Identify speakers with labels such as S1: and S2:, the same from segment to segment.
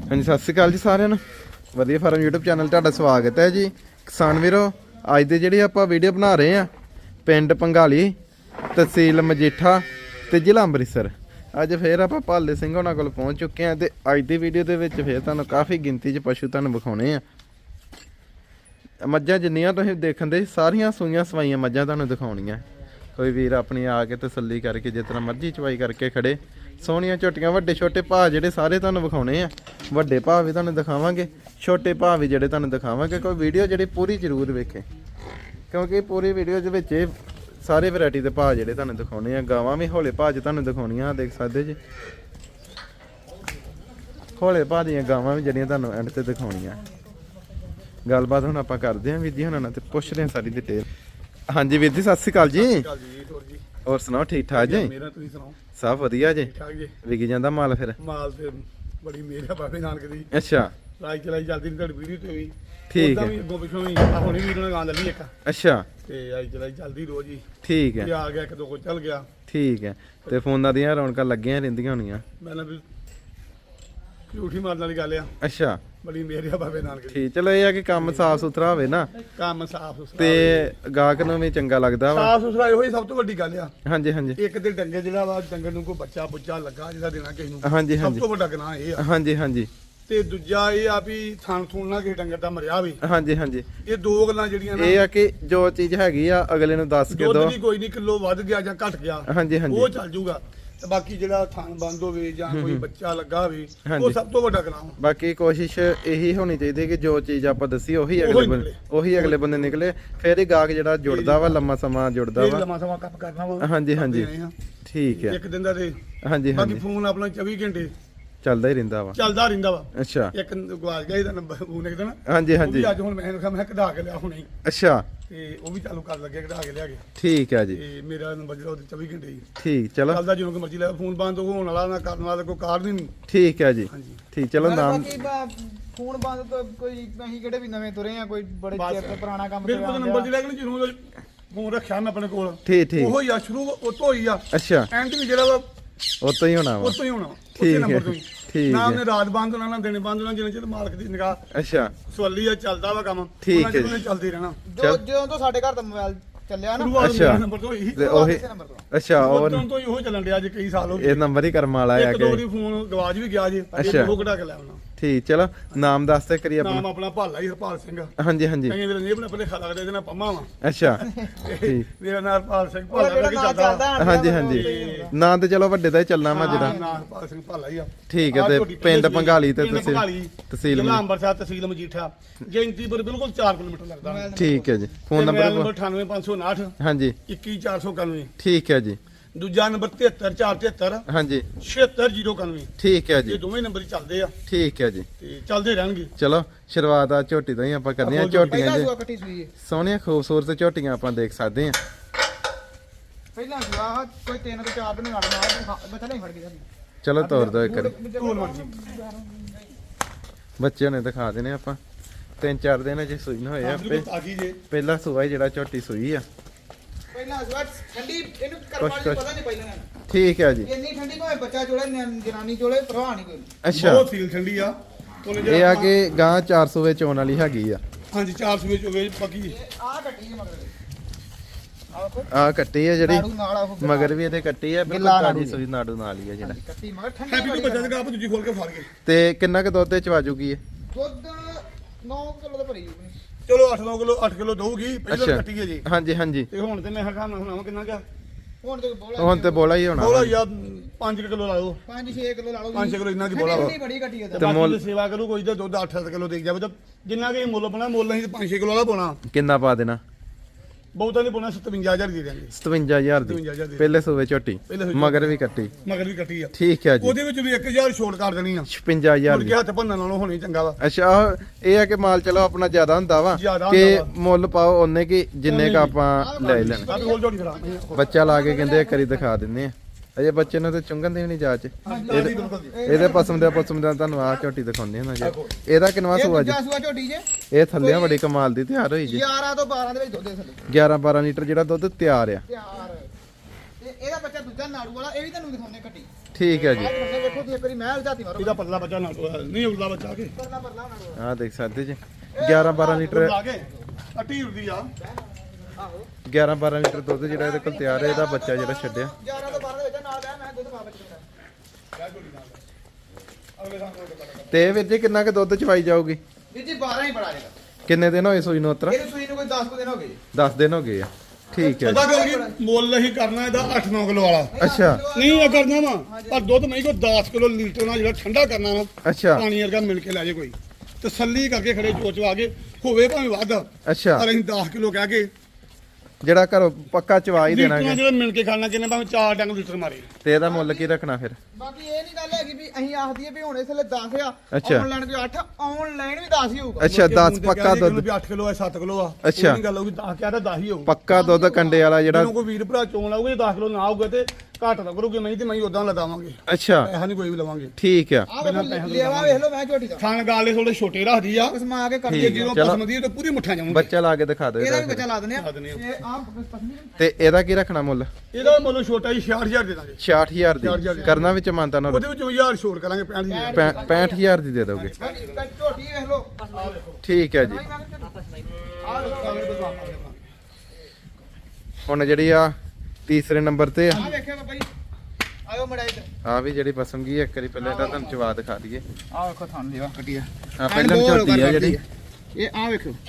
S1: ਹਾਂਜੀ ਸਤਿ ਸ਼੍ਰੀ ਅਕਾਲ ਜੀ ਸਾਰਿਆਂ ਨੂੰ। ਵਧੀਆ ਫਾਰਮ YouTube ਚੈਨਲ ਤੁਹਾਡਾ ਸਵਾਗਤ ਹੈ ਜੀ। ਕਿਸਾਨ ਵੀਰੋ, ਅੱਜ ਦੇ ਜਿਹੜੀ ਆਪਾਂ ਵੀਡੀਓ ਬਣਾ ਰਹੇ ਆ ਪਿੰਡ ਪੰਗਾਲੀ, ਤਹਿਸੀਲ ਮਜੀਠਾ ਤੇ ਜ਼ਿਲ੍ਹਾ ਅੰਮ੍ਰਿਤਸਰ। ਅੱਜ ਫੇਰ ਆਪਾਂ ਭਾਲੇ ਸਿੰਘ ਹੋਣਾ ਕੋਲ ਪਹੁੰਚ ਚੁੱਕੇ ਆ ਤੇ ਅੱਜ ਦੀ ਵੀਡੀਓ ਦੇ ਵਿੱਚ ਫੇਰ ਤੁਹਾਨੂੰ ਕਾਫੀ ਗਿਣਤੀ 'ਚ ਪਸ਼ੂ ਤੁਹਾਨੂੰ ਵਿਖਾਉਣੇ ਆ। ਮੱਝਾਂ ਜਿੰਨੀਆਂ ਤੁਸੀਂ ਦੇਖਣ ਦੇ ਸਾਰੀਆਂ ਸੂਈਆਂ ਸਵਾਈਆਂ ਮੱਝਾਂ ਤੁਹਾਨੂੰ ਦਿਖਾਉਣੀਆਂ। ਕੋਈ ਵੀਰ ਆਪਣੀ ਆ ਕੇ ਤਸੱਲੀ ਕਰਕੇ ਜਿਸ ਤਰ੍ਹਾਂ ਮਰਜ਼ੀ ਚਵਾਈ ਕਰਕੇ ਖੜੇ। ਸੋਹਣੀਆਂ ਝੋਟੀਆਂ, ਵੱਡੇ ਛੋਟੇ ਭਾਅ ਜਿਹੜੇ ਸਾਰੇ ਤੁਹਾਨੂੰ ਵਿਖਾਉਣੇ ਆ। ਵੱਡੇ ਭਾਅ ਵੀ ਤੁਹਾਨੂੰ ਦਿਖਾਵਾਂਗੇ, ਛੋਟੇ ਭਾਅ ਵੀ ਜਿਹੜੇ ਤੁਹਾਨੂੰ ਦਿਖਾਵਾਂਗੇ। ਕੋਈ ਵੀਡੀਓ ਜਿਹੜੀ ਪੂਰੀ ਜ਼ਰੂਰ ਵੇਖੇ, ਕਿਉਂਕਿ ਪੂਰੀ ਵੀਡੀਓ ਦੇ ਵਿੱਚ ਸਾਰੇ ਵੈਰਾਈਟੀ ਦੇ ਭਾਅ ਜਿਹੜੇ ਤੁਹਾਨੂੰ ਦਿਖਾਉਣੇ ਆ। ਗਾਵਾਂ ਵੀ ਹੌਲੇ ਭਾਅ 'ਚ ਤੁਹਾਨੂੰ ਦਿਖਾਉਣੀਆਂ, ਦੇਖ ਸਕਦੇ ਜੀ। ਹੌਲੇ ਭਾਅ ਦੀਆਂ ਗਾਵਾਂ ਵੀ ਜਿਹੜੀਆਂ ਤੁਹਾਨੂੰ ਐਂਡ ਤੇ ਦਿਖਾਉਣੀਆਂ। ਗੱਲਬਾਤ ਹੁਣ ਆਪਾਂ ਕਰਦੇ ਹਾਂ ਵੀਰ ਜੀ ਹੁਣਾਂ ਨਾਲ ਤੇ ਪੁੱਛਦੇ ਹਾਂ ਸਾਰੀ ਡਿਟੇਲ। ਹਾਂਜੀ ਵੀਰ ਜੀ ਸਤਿ ਸ਼੍ਰੀ ਅਕਾਲ ਜੀ। ਹੋਰ ਸੁਣਾਓ, ਠੀਕ ਠਾਕ ਜੀ?
S2: ਮੇਰਾ ਤੁਸੀਂ ਸੁਣਾਓ?
S1: ਸਭ ਵਧੀਆ ਜੀ।
S2: ਠੀਕ ਜੀ।
S1: ਵਿਕ ਜਾਂਦਾ ਮਾਲ ਫਿਰ?
S2: ਮਾਲ ਤੇ ਬੜੀ ਮਿਹਰ ਆ ਬਾਬੇ ਨਾਨਕ ਦੀ।
S1: ਅੱਛਾ,
S2: ਲਾਈਕ ਚਲਾਈ ਚੱਲਦੀ ਨਹੀਂ ਤੁਹਾਡੀ ਵੀਡੀਓ ਤੇ ਵੀ।
S1: ਠੀਕ ਹੈ।
S2: ਵੀ ਅੱਗੋਂ ਪਿੱਛੋਂ ਵੀ ਆ ਹੁਣੇ ਵੀ ਇਹਨਾਂ ਗਾਂ ਲੱਲੀ ਇੱਕ।
S1: ਅੱਛਾ,
S2: ਤੇ ਆਈ ਚਲਾਈ ਚੱਲਦੀ ਰੋਜ਼ ਹੀ।
S1: ਠੀਕ ਹੈ।
S2: ਤੇ ਆ ਗਿਆ ਇੱਕ ਦੋ ਕੋ ਚੱਲ ਗਿਆ।
S1: ਠੀਕ ਹੈ। ਤੇ ਫੋਨਾਂ ਦੀਆਂ ਰੌਣਕਾਂ ਲੱਗੀਆਂ ਰਹਿੰਦੀਆਂ ਹੋਣੀਆਂ।
S2: ਮੈਂ ਨਾ ਵੀ ਝੂਠੀ ਮਾਰਨ ਵਾਲੀ ਗੱਲ ਆ।
S1: ਅੱਛਾ,
S2: ਬੜੀ ਮਿਹਰ ਆ ਬਾਬੇ ਨਾਨਕ ਦੀ।
S1: ਠੀਕ। ਚਲੋ ਇਹ ਆ ਕਿ ਕੰਮ ਸਾਫ ਸੁਥਰਾ ਹੋਵੇ ਨਾ
S2: ਕੰਮ ਸਾਫ ਸੁਥਰਾ
S1: ਤੇ ਗਾਹਕ ਨੂੰ ਵੀ ਚੰਗਾ ਲੱਗਦਾ ਵਾ।
S2: ਸਾਫ ਸੁਥਰਾ ਇਹੋ ਹੀ ਸਭ ਤੋਂ ਵੱਡੀ ਗੱਲ ਆ।
S1: ਹਾਂਜੀ ਹਾਂਜੀ
S2: ਇੱਕ ਤੇ ਡੰਗੇ ਜਿਹੜਾ ਵਾ ਡੰਗਰ ਨੂੰ ਕੋਈ ਬੱਚਾ ਬੁੱਚਾ ਲੱਗਾ ਜਿਹੜਾ ਦੇਣਾ ਕਿਸੇ ਨੂੰ,
S1: ਹਾਂਜੀ
S2: ਸਭ
S1: ਹਾਂਜੀ
S2: ਤੋਂ ਵੱਡਾ ਗੁਨਾਹ ਇਹ ਆ।
S1: ਹਾਂਜੀ ਹਾਂਜੀ
S2: ਤੇ ਦੂਜਾ ਇਹ ਆ ਵੀ ਥਣ ਥੂਣ ਨਾ ਕਿਸੇ ਡੰਗਰ ਦਾ ਮਰਿਆ ਵੀ।
S1: ਹਾਂਜੀ ਹਾਂਜੀ
S2: ਇਹ ਦੋ ਗੱਲਾਂ ਜਿਹੜੀਆਂ ਨਾ,
S1: ਇਹ ਆ ਕਿ ਜੋ ਚੀਜ਼ ਹੈਗੀ ਆ ਅਗਲੇ ਨੂੰ ਦੱਸ ਕੇ
S2: ਦੁੱਧ
S1: ਦੋ।
S2: ਦੀ ਕੋਈ ਨਹੀਂ ਕਿਲੋ ਵੱਧ ਗਿਆ ਜਾਂ ਘਟ ਗਿਆ,
S1: ਹਾਂਜੀ ਹਾਂਜੀ
S2: ਉਹ ਚੱਲ ਜੂਗਾ। ਤੇ ਬਾਕੀ ਜਿਹੜਾ ਥਣ ਬੰਦ ਹੋਵੇ ਜਾਂ ਕੋਈ ਬੱਚਾ ਲੱਗਾ ਹੋਵੇ,
S1: ਹਾਂਜੀ।
S2: ਉਹ ਸਭ ਤੋਂ ਵੱਡਾ ਗੁਨਾਹ।
S1: ਬਾਕੀ ਕੋਸ਼ਿਸ਼ ਇਹੀ ਹੋਣੀ ਚਾਹੀਦੀ ਕਿ ਜੋ ਚੀਜ਼ ਆਪਾਂ ਦੱਸੀ ਉਹੀ ਅਗਲੇ ਬੰਦੇ ਨਿਕਲੇ। ਫਿਰ ਹੀ ਗਾਹਕ ਜਿਹੜਾ ਜੁੜਦਾ ਵਾ, ਲੰਮਾ ਸਮਾਂ ਜੁੜਦਾ
S2: ਇਹ
S1: ਵਾ।
S2: ਲੰਮਾ ਸਮਾਂ ਕੱਪ ਕਰਨਾ ਵਾ।
S1: ਹਾਂਜੀ ਹਾਂਜੀ ਠੀਕ ਹੈ।
S2: ਇੱਕ ਦਿਨ ਦਾ ਤੇ
S1: ਹਾਂਜੀ
S2: ਬਾਕੀ
S1: ਹਾਂਜੀ
S2: ਫੋਨ ਆਪਣਾ 24 ਘੰਟੇ
S1: ਚੱਲਦਾ ਹੀ ਰਹਿੰਦਾ ਵਾ।
S2: ਚੱਲਦਾ ਰਹਿੰਦਾ ਵਾ।
S1: ਅੱਛਾ,
S2: ਇੱਕ ਗਵਾਚ ਗਿਆ ਇਹਦਾ ਨੰਬਰ ਫੋਨ ਇੱਕ ਦਿਨ।
S1: ਹਾਂਜੀ
S2: ਉਹ
S1: ਹਾਂਜੀ
S2: ਵੀ ਅੱਜ ਹੁਣ ਮੈਂ ਕਿਹਾ ਮੈਂ ਕਢਾ ਕੇ ਲਿਆ ਹੁਣੇ।
S1: ਅੱਛਾ,
S2: ਤੇ ਉਹ ਵੀ ਚਾਲੂ ਕਰ ਲੱਗਿਆ ਕਢਾ ਕੇ ਲਿਆ ਕੇ।
S1: ਠੀਕ ਹੈ ਜੀ।
S2: ਤੇ ਮੇਰਾ ਨੰਬਰ ਜਿਹੜਾ ਉਹਦੇ 24 ਘੰਟੇ ਹੀ
S1: ਠੀਕ, ਚਲੋ
S2: ਚੱਲਦਾ, ਜਦੋਂ ਕਿ ਮਰਜ਼ੀ ਲੈ। ਫੋਨ ਬੰਦ ਹੋਣ ਵਾਲਾ ਨਾ ਕਰਨ ਵਾਲਾ ਕੋਈ ਕਾਰਨ ਹੀ ਨਹੀਂ।
S1: ਠੀਕ ਹੈ ਜੀ।
S2: ਹਾਂਜੀ
S1: ਠੀਕ, ਚਲੋ ਨਾਮ
S3: ਫੋਨ ਬੰਦ ਤੋਂ ਕੋਈ ਅਸੀਂ ਕਿਹੜੇ ਵੀ ਨਵੇਂ ਤੁਰੇ ਆ, ਕੋਈ ਬੜੇ ਚਿਰ ਤੋਂ ਪੁਰਾਣਾ ਕੰਮ
S2: ਬਿਲਕੁਲ ਨੰਬਰ ਜਿਹੜਾ ਕਿ ਜਦੋਂ ਫੋਨ ਰੱਖਿਆ ਮੈਂ ਆਪਣੇ ਕੋਲ,
S1: ਠੀਕ ਠੀਕ
S2: ਉਹੋ ਹੀ ਆ। ਸ਼ੁਰੂ ਉਹ ਤੋਂ ਹੀ ਆ,
S1: ਅੱਛਾ,
S2: ਐਂਡ ਵੀ ਜਿਹੜਾ ਵਾ
S1: ਉਹ ਤੋਂ ਹੀ ਹੋਣਾ ਵਾ।
S2: ਉਹ ਤੋਂ ਹੀ ਹੋਣਾ।
S1: ਠੀਕ
S2: ਉਸੇ ਨੰਬਰ
S1: ਹੈ,
S2: ਤੋਂ ਹੀ।
S1: ਠੀਕ
S2: ਨਾ
S1: ਹੈ।
S2: ਉਹਨੇ ਰਾਤ ਬੰਦ ਹੋਣਾ ਨਾ ਦਿਨ ਬੰਦ ਹੋਣਾ, ਜਿੰਨੇ ਚਿਰ ਮਾਲਕ ਦੀ ਨਿਗਾਹ
S1: ਅੱਛਾ,
S2: ਸਵਾਲੀ ਆ, ਚੱਲਦਾ ਵਾ ਕੰਮ।
S1: ਠੀਕ
S2: ਉਹਨਾਂ ਚਿਰ
S1: ਹੈ।
S2: ਉਹਨੇ ਚੱਲਦੀ ਰਹਿਣਾ।
S3: ਜਦੋਂ ਤੋਂ ਸਾਡੇ ਘਰ ਦਾ ਮੋਬਾਈਲ ਚੱਲਿਆ ਨਾ,
S2: ਸ਼ੁਰੂਆਤ
S1: ਅੱਛਾ।
S2: ਮੇਰਾ ਨੰਬਰ ਤੋਂ ਹੀ।
S1: ਤੇ ਉਹੀ
S3: ਇਸੇ ਨੰਬਰ ਤੋਂ।
S1: ਅੱਛਾ, ਉਹ
S2: ਉਦੋਂ ਤੋਂ ਹੀ ਉਹ ਚੱਲਣ ਡਿਆ ਜੇ ਕਈ ਸਾਲ ਹੋ ਗਏ।
S1: ਇਹ ਨੰਬਰ ਹੀ ਕਰਮ ਵਾਲਾ ਆ
S2: ਇੱਕ ਦੋ
S1: ਕੇ।
S2: ਵਾਰੀ ਫੋਨ ਗਵਾਚ ਵੀ ਗਿਆ ਜੇ,
S1: ਅੱਛਾ।
S2: ਉਹ ਕਢਾ ਕੇ ਲੈ ਆਉਣਾ।
S1: ਠੀਕ, ਚਲੋ ਨਾਮ ਦੱਸ ਤੇ ਕਰੀ
S2: ਨਾਮ
S1: ਆਪਣਾ।
S2: ਆਪਣਾ ਭਾਲਾ ਹੀ, ਹਰਪਾਲ ਸਿੰਘ।
S1: ਹਾਂਜੀ ਹਾਂਜੀ
S2: ਕਈ ਵੇਲੇ ਨਹੀਂ ਆਪਣੇ ਭਲੇਖਾ ਲੱਗਦਾ, ਇਹਦੇ ਨਾਲ ਪੰਮਾ ਵਾ।
S1: ਅੱਛਾ, ਠੀਕ।
S2: ਮੇਰਾ ਨਾਮ ਹਰਪਾਲ ਸਿੰਘ
S3: ਉਹ
S2: ਭਾਲਾ
S3: ਜਿਹੜਾ
S2: ਕਰਕੇ
S3: ਨਾਂ
S2: ਚੱਲਦਾ।
S3: ਚੱਲਦਾ
S1: ਹਾਂਜੀ ਹਾਂਜੀ ਨਾਂ ਤੇ ਚਲੋ ਵੱਡੇ ਦਾ ਹੀ ਚੱਲਣਾ ਵਾ ਜਿਹੜਾ।
S2: ਨਾਮ ਹਰਪਾਲ ਸਿੰਘ ਭਾਲਾ ਹੀ ਆ।
S1: ਠੀਕ ਹੈ।
S2: ਆਹ
S1: ਤੇ
S2: ਤੁਹਾਡੀ
S1: ਪਿੰਡ ਪੰਗਾਲੀ ਤੇ
S2: ਪਿੰਡ ਪੰਗਾਲੀ,
S1: ਤਹਿਸੀਲ
S2: ਜ਼ਿਲ੍ਹਾ ਅੰਮ੍ਰਿਤਸਰ, ਤਹਿਸੀਲ ਮਜੀਠਾ, ਜੈਂਤੀਪੁਰ ਬਿਲਕੁਲ 4 ਕਿਲੋਮੀਟਰ ਲੱਗਦਾ।
S1: ਠੀਕ ਹੈ ਜੀ। ਫੋਨ ਨੰਬਰ
S2: 98559
S1: ਹਾਂਜੀ
S2: 21491।
S1: ਠੀਕ ਹੈ ਜੀ।
S2: ਦੂਜਾ ਨੰਬਰ 73473
S1: ਹਾਂਜੀ
S2: 76091।
S1: ਠੀਕ ਹੈ
S2: ਇਹ
S1: ਜੀ।
S2: ਦੋਵੇਂ ਨੰਬਰ ਹੀ ਚੱਲਦੇ ਆ
S1: ਠੀਕ ਹੈ ਜੀ।
S2: ਤੇ ਚੱਲਦੇ ਰਹਿਣਗੇ।
S1: ਚਲੋ ਸ਼ੁਰੂਆਤ ਆ ਝੋਟੀ ਤੋਂ ਹੀ ਆਪਾਂ ਕਰਨੀ ਆ। ਝੋਟੀਆਂ
S3: ਪਹਿਲਾਂ
S1: ਜੀ
S3: ਸੂਆ ਕੱਟੀ ਸੂਈ ਹੈ।
S1: ਸੋਹਣੀਆਂ ਖੂਬਸੂਰਤ ਝੋਟੀਆਂ ਆਪਾਂ ਦੇਖ ਸਕਦੇ ਆ।
S3: ਪਹਿਲਾਂ ਸੂਆ ਕੋਈ 3 ਤੋਂ 4 ਦਿਨ ਲੜਨਾ, ਬੱਚਾ ਨਹੀਂ ਫੜ ਗਿਆ।
S1: ਚਲੋ ਤੋਰ ਦੋ ਇੱਕ ਵਾਰੀ।
S2: ਹੋਰ ਮਰਜ਼ੀ।
S1: ਬੱਚਿਆਂ ਨੇ ਦਿਖਾ ਦੇਣੇ ਆਪਾਂ। 3-4 ਦਿਨ ਅਜੇ ਸੂਈ ਨਾ ਹੋਏ ਆ।
S2: ਬਿਲਕੁਲ ਤਾਜ਼ੀ ਜੇ।
S1: ਪਹਿਲਾ ਸੂਆ ਹੀ ਜਿਹੜਾ ਝੋਟੀ ਸੂਈ ਆ।
S3: ਪਹਿਲਾਂ ਸੂਆ ਠੰਡੀ, ਇਹਨੂੰ
S1: ਕੁਛ-
S3: ਕਰਵਾਉਣ ਦੀ
S1: ਕੁਛ।
S3: ਪਤਾ ਨਹੀਂ ਪਹਿਲਾਂ।
S1: ਠੀਕ ਹੈ ਜੀ।
S3: ਇੰਨੀ ਠੰਡੀ ਭਾਵੇਂ ਬੱਚਾ ਚੋਲੇ ਜਨਾਨੀ ਚੋਲੇ ਪਰਵਾਹ ਨਹੀਂ ਕੋਈ।
S1: ਅੱਛਾ,
S2: ਬਹੁਤ ਸੀਲ ਠੰਡੀ ਆ। ਉਹਨੇ
S1: ਇਹ
S2: ਜਿਹੜਾ
S1: ਆ ਕਿ ਗਾਂ 400 ਵਿੱਚ ਆਉਣ ਵਾਲੀ ਹੈਗੀ ਆ।
S2: ਹਾਂਜੀ 400 ਵਿੱਚ ਹੋ ਗਏ ਬਾਕੀ।
S3: ਆਹ ਕੱਟੀ ਹੈ ਮਗਰ। ਆਹ ਕੋਈ
S1: ਆ ਕੱਟੀ ਆ ਜਿਹੜੀ
S3: ਨਾੜੂ ਨਾਲ ਉਹ
S1: ਮਗਰ ਵੀ ਇਹਦੇ ਕੱਟੀ ਆ। ਬਿਲਕੁਲ
S3: ਗਿੱਲਾ
S1: ਤਾਜੀ
S3: ਨਾੜੂ
S1: ਸੂਈ ਨਾੜੂ ਨਾਲ ਹੀ ਆ ਜਿਹੜਾ।
S3: ਕੱਟੀ ਮਗਰ ਠੰਡੀ
S2: ਹੈਪੀ
S3: ਬੜੀ
S2: ਤੋਂ ਬੱਚਾ ਜਗਾ ਆਪ ਦੂਜੀ ਖੋਲ ਕੇ ਫੜ ਕੇ।
S1: ਤੇ ਕਿੰਨਾ ਕੁ ਦੁੱਧ ਚ ਵਾਜੂਗੀ ਇਹ?
S3: ਦੁੱਧ 9 ਕਿਲੋ ਦਾ ਭਰੀ ਹੋਊਗੀ।
S2: ਚਲੋ 8-9 ਕਿਲੋ 8 ਕਿਲੋ ਦਊਗੀ। ਪਹਿਲਾਂ
S1: ਅੱਛਾ।
S2: ਕੱਟੀ ਹੈ ਜੀ।
S1: ਹਾਂਜੀ ਹਾਂਜੀ
S2: ਤੇ ਹੁਣ ਤੇ ਮੈਂ ਹਖਾਨਾ ਹੁਣਾ ਕਿੰਨਾ ਕਿਆ?
S3: ਹੁਣ ਤੇ ਬੋਲਾ
S1: ਹੁਣ ਤੇ ਬੋਲਾ ਹੀ ਹੋਣਾ
S2: ਥੋੜਾ ਜਿਹਾ 5 ਕਿਲੋ ਲਾ ਲਓ।
S3: 5-6 ਕਿਲੋ ਲਾ ਲਓ।
S2: 5 ਕਿਲੋ ਇੰਨਾ ਕੀ ਬੋਲਾ ਵਾ।
S3: ਠੰਡੀ ਬੜੀ ਕੱਟੀ ਹੈ।
S2: ਤੇ
S1: ਤੇ
S2: ਬਾਕੀ
S1: ਮੁੱਲ-
S2: ਜੇ ਸੇਵਾ ਕਰੂ ਕੋਈ ਤਾਂ ਦੁੱਧ 8-7 ਕਿਲੋ ਦੇ ਜਾਵੇ ਤਾਂ ਜਿੰਨਾ ਕਿ ਮੁੱਲ ਬਣਾ ਮੁੱਲ ਅਸੀਂ 5-6 ਕਿਲੋ ਵਾਲਾ ਪਾਉਣਾ।
S1: ਕਿੰਨਾ ਪਾ ਦੇਣਾ?
S2: ਬਹੁਤਾ ਨਹੀਂ ਪਾਉਣਾ, 57000 ਦੇ ਦਿਆਂਗੇ।
S1: 57000 ਦੀ
S2: 57,000 ਦੀ।
S1: ਪਹਿਲੇ ਸੂਵੇ ਝੋਟੀ
S2: ਪਹਿਲੇ ਸੂਏ
S1: ਮਗਰ ਵੀ ਕੱਟੀ।
S2: ਮਗਰ ਵੀ ਕੱਟੀ ਆ।
S1: ਠੀਕ ਹੈ ਜੀ।
S2: ਉਹਦੇ ਵਿੱਚ ਵੀ 1000 ਛੋਟ ਕਰ ਦੇਣੀ ਆ।
S1: 56000
S2: ਮੁੜ
S1: ਦੀ।
S2: ਕੇ ਹੱਥ ਭੰਨਣ ਨਾਲੋਂ ਹੋਣੀ ਚੰਗਾ ਵਾ।
S1: ਅੱਛਾ, ਇਹ ਹੈ ਕਿ ਮਾਲ ਚਲੋ ਆਪਣਾ ਜ਼ਿਆਦਾ ਹੁੰਦਾ ਵਾ
S2: ਜ਼ਿਆਦਾ
S1: ਕਿ
S2: ਹੁੰਦਾ
S1: ਮੁੱਲ ਪਾਓ ਉਹਨੇ ਕਿ ਜਿੰਨੇ ਕ ਆਪਾਂ ਲੈ ਲੈਣ।
S2: ਸਾਡੀ ਕੋਲ ਝੋਟੀ ਖੜਾ।
S1: ਬੱਚਾ ਲਾ ਕੇ ਕਹਿੰਦੇ ਇੱਕ ਵਾਰੀ ਦਿਖਾ ਦਿੰਦੇ ਆ। ਅਜੇ ਬੱਚੇ ਨੂੰ ਤੇ ਚੁੰਗਣ ਦੀ ਵੀ ਨਹੀਂ ਜਾਚ। ਇਹਦੇ ਪਸਮ ਦਾ ਤੁਹਾਨੂੰ ਆਹ ਝੋਟੀ ਦਿਖਾਉਂਦੇ ਹਾਂ ਜੀ। ਇਹਦਾ ਕਿੰਨਵਾ ਸੂਆ ਜੀ?
S3: ਦੂਜਾ ਸੂਆ ਝੋਟੀ ਜੇ
S1: ਇਹ ਥੱਲਿਆਂ ਬੜੀ ਕਮਾਲ ਦੀ ਤਿਆਰ ਹੋਈ ਜੀ।
S3: 11 ਤੋਂ 12 ਦੇ ਵਿੱਚ ਦੁੱਧ ਦੇ ਥੱਲੇ
S1: 11-12 ਲੀਟਰ ਜਿਹੜਾ ਦੁੱਧ ਤਿਆਰ ਆ।
S3: ਤਿਆਰ। ਤੇ ਇਹਦਾ ਬੱਚਾ ਦੂਜਾ ਨਾੜੂ ਵਾਲਾ, ਇਹ ਵੀ ਤੁਹਾਨੂੰ ਦਿਖਾਉਣੇ ਕੱਟੀ।
S1: ਠੀਕ ਹੈ ਜੀ
S3: ਥੱਲੇ ਵੇਖੋ ਤੁਸੀਂ ਇੱਕ ਵਾਰੀ ਮੈਂ ਹਲਜਾਤੀ ਮਾਰੋ
S2: ਇਹਦਾ ਪਤਲਾ ਬੱਚਾ ਨਾ ਨਹੀਂ ਉਲਦਾ ਬੱਚਾ ਕੇ
S3: ਪਰਲਾ ਪਰਲਾ ਹੋਣਾ
S1: ਆਹ ਦੇਖ ਸਕਦੇ ਜੀ 11-12 ਲੀਟਰ
S2: ਲਾ ਕੇ ਅੱਟੀ ਉਲਦੀ ਆ
S3: ਆਹੋ
S1: 11-12 ਲੀਟਰ ਦੁੱਧ ਜਿਹੜਾ ਇਹਦੇ ਕੋਲ ਤਿਆਰ ਹੈ ਇਹਦਾ ਬੱਚਾ ਜਿਹੜਾ ਛੱਡਿਆ
S3: 11 ਤੋਂ 12 ਦੇ ਵਿੱਚ ਨਾਲ ਮੈਂ ਦੁੱਧ ਪਾ ਬਚਦਾ
S2: ਅਗਲੇ ਸਾਲ ਕੋਲ
S1: ਤੇ ਇਹ ਵੀਰ ਜੀ ਕਿੰਨਾ ਕੁ ਦੁੱਧ ਚਵਾਈ ਜਾਊਗੀ
S3: ਵੀਰ ਜੀ 12 ਹੀ ਬੜਾ ਜੇਗਾ
S1: ਕਿੰਨੇ ਦਿਨ ਹੋਏ ਸੂਈ ਨੂੰ ਉਤਰਾ
S3: ਇਹਨੂੰ ਸੂਈ ਨੂੰ ਕੋਈ 10 ਕੁ ਦਿਨ ਹੋ ਗਏ
S1: 10 ਦਿਨ ਹੋ ਗਏ ਆ ਠੀਕ ਹੈ
S2: ਪਤਾ ਕਿਉਂ ਮੁੱਲ ਹੀ ਕਰਨਾ ਇਹਦਾ 8-9 ਕਿਲੋ ਵਾਲਾ
S1: ਅੱਛਾ
S2: ਨਹੀਂ ਇਹ ਕਰਨਾ ਵਾ ਪਰ ਦੁੱਧ ਮੈਂ ਕੋ 10 ਕਿਲੋ ਲੀਟਰ ਨਾਲ ਜਿਹੜਾ ਠੰਡਾ ਕਰਨਾ ਵਾ
S1: ਅੱਛਾ
S2: ਪਾਣੀ ਵਰਗਾ ਮਿਲ ਕੇ ਲੈ ਜੇ ਕੋਈ ਤਸੱਲੀ ਕਰਕੇ ਖੜੇ ਚੋਚਵਾ ਕੇ ਹੋਵੇ ਭਾਵੇਂ ਵੱਧ
S1: ਅੱਛਾ
S2: ਪਰ ਅਸੀਂ 10 ਕਿਲੋ ਕਹਿ ਕੇ
S1: ਜਿਹੜਾ ਘਰੋਂ ਪੱਕਾ ਚਵਾ ਹੀ
S2: ਲੀਟਰ
S1: ਦੇਣਾ
S2: ਨਾਲ
S1: ਹੈ
S2: ਜਿਹੜਾ ਮਿਲ ਕੇ ਖਾਣਾ ਕਿੰਨੇ ਭਾਵੇਂ 4 ਡੰਗ ਲੀਟਰ ਮਾਰੇ
S1: ਤੇ ਇਹਦਾ ਮੁੱਲ ਕੀ ਰੱਖਣਾ ਫਿਰ
S3: ਬਾਕੀ ਇਹ ਨਹੀਂ ਗੱਲ ਹੈਗੀ ਵੀ ਅਸੀਂ ਆਖਦੀ ਹੈ ਵੀ ਹੁਣ ਇਸ ਵੇਲੇ 10 ਆ
S1: ਅੱਛਾ।
S3: ਆਨਲਾਈਨ ਕੋਈ 8 ਆਨਲਾਈਨ ਵੀ 10 ਹੀ ਹੋਊਗਾ
S1: ਅੱਛਾ 10 ਪੱਕਾ ਦੁੱਧ
S2: ਵੀ 8 ਕਿਲੋ ਹੈ 7 ਕਿਲੋ ਆ
S1: ਅੱਛਾ।
S2: ਉਹ ਗੱਲ ਹੋਊਗੀ 10 ਕਿਹਾ ਤਾਂ 10 ਹੀ ਹੋਊ
S1: ਪੱਕਾ ਦੁੱਧ ਕੰਡੇ ਵਾਲਾ ਜਿਹੜਾ
S2: ਜਦੋਂ ਕੋਈ ਵੀਰ ਭਰਾ ਚੋਣ ਲਾਊਗਾ ਜੇ 10 ਕਿਲੋ ਨਾ ਆਊਗਾ ਤੇ ਘੱਟ ਨਾ ਕਰੋਗੇ ਨਹੀਂ ਤੇ ਮੈਂ ਉਦਾਂ ਲਦਾਵਾਂਗੇ
S1: ਅੱਛਾ
S2: ਪੈਸਾ ਨਹੀਂ ਕੋਈ ਵੀ ਲਵਾਂਗੇ
S1: ਠੀਕ ਆ
S3: ਆ ਵੇਖੋ ਲਿਆਵਾ ਵੇਖ ਲਓ ਮੈਂ ਝੋਟੀ ਦਾ
S2: ਖਾਣ ਗਾਲੇ ਥੋੜੇ ਛੋਟੇ ਰੱਖਦੀ ਆ
S3: ਕਸਮਾ ਕੇ ਕਰ
S1: ਠੀਕ
S3: ਦੇ
S1: ਹੈ।
S2: ਜਦੋਂ
S1: ਚਲੋ।
S2: ਪਸਮਦੀ ਹੈ ਤਾਂ ਪੂਰੀ ਮੁੱਠਾ ਜਾਊਂਗੇ
S1: ਬੱਚਾ ਲਾ ਕੇ ਦਿਖਾ ਦਿਓ
S3: ਇਹਦਾ ਵੀ
S1: ਇਹਦਾ
S3: ਬੱਚਾ ਲਾ ਦਿੰਦੇ ਆ
S2: ਲਾ ਦਿੰਦੇ ਆ।
S3: ਇਹ ਆ ਪਸੰਦ
S1: ਤੇ ਇਹਦਾ ਕੀ ਰੱਖਣਾ ਮੁੱਲ
S2: ਇਹਦਾ ਮੁੱਲ ਛੋਟਾ ਜੀ 66000 ਦੇ ਦਾਂਗੇ
S1: 66000 ਦੀ
S2: 66,000
S1: ਕਰਨਾ ਵਿੱਚ ਮੰਨਤਾ ਨਾ
S2: ਉਹਦੇ ਵਿੱਚ 1000 ਛੋੜ ਕਰਾਂਗੇ 65,000
S1: 65000 ਦੀ ਦੇ ਦੋਗੇ
S3: ਝੋਟੀ ਵੇਖ ਲਓ
S1: ਠੀਕ ਹੈ ਜੀ
S3: ਆ ਵੇਖੋ
S1: ਹੁਣ ਜਿਹੜੀ ਆ ਤੀਸਰੇ ਨੰਬਰ ਤੇ ਆ
S3: ਆ ਵੇਖਿਓ ਬਾਬਾ ਜੀ ਆਇਓ ਮੜਾ ਇੱਧਰ
S1: ਆ ਵੀ ਜਿਹੜੀ ਪਸੰਦਗੀ ਇੱਕ ਵਾਰੀ ਪਹਿਲਾਂ ਇਹਦਾ ਤੁਹਾਨੂੰ ਚਵਾ ਦਿਖਾ ਦਈਏ
S3: ਆ ਵੇਖੋ ਥਾਂ ਦੀ ਵਾ ਕੱਟੀ ਆ
S1: ਆ ਪਹਿਲਾਂ ਝੋਟੀ ਆ ਜਿਹੜੀ
S3: ਇਹ ਆ ਵੇਖੋ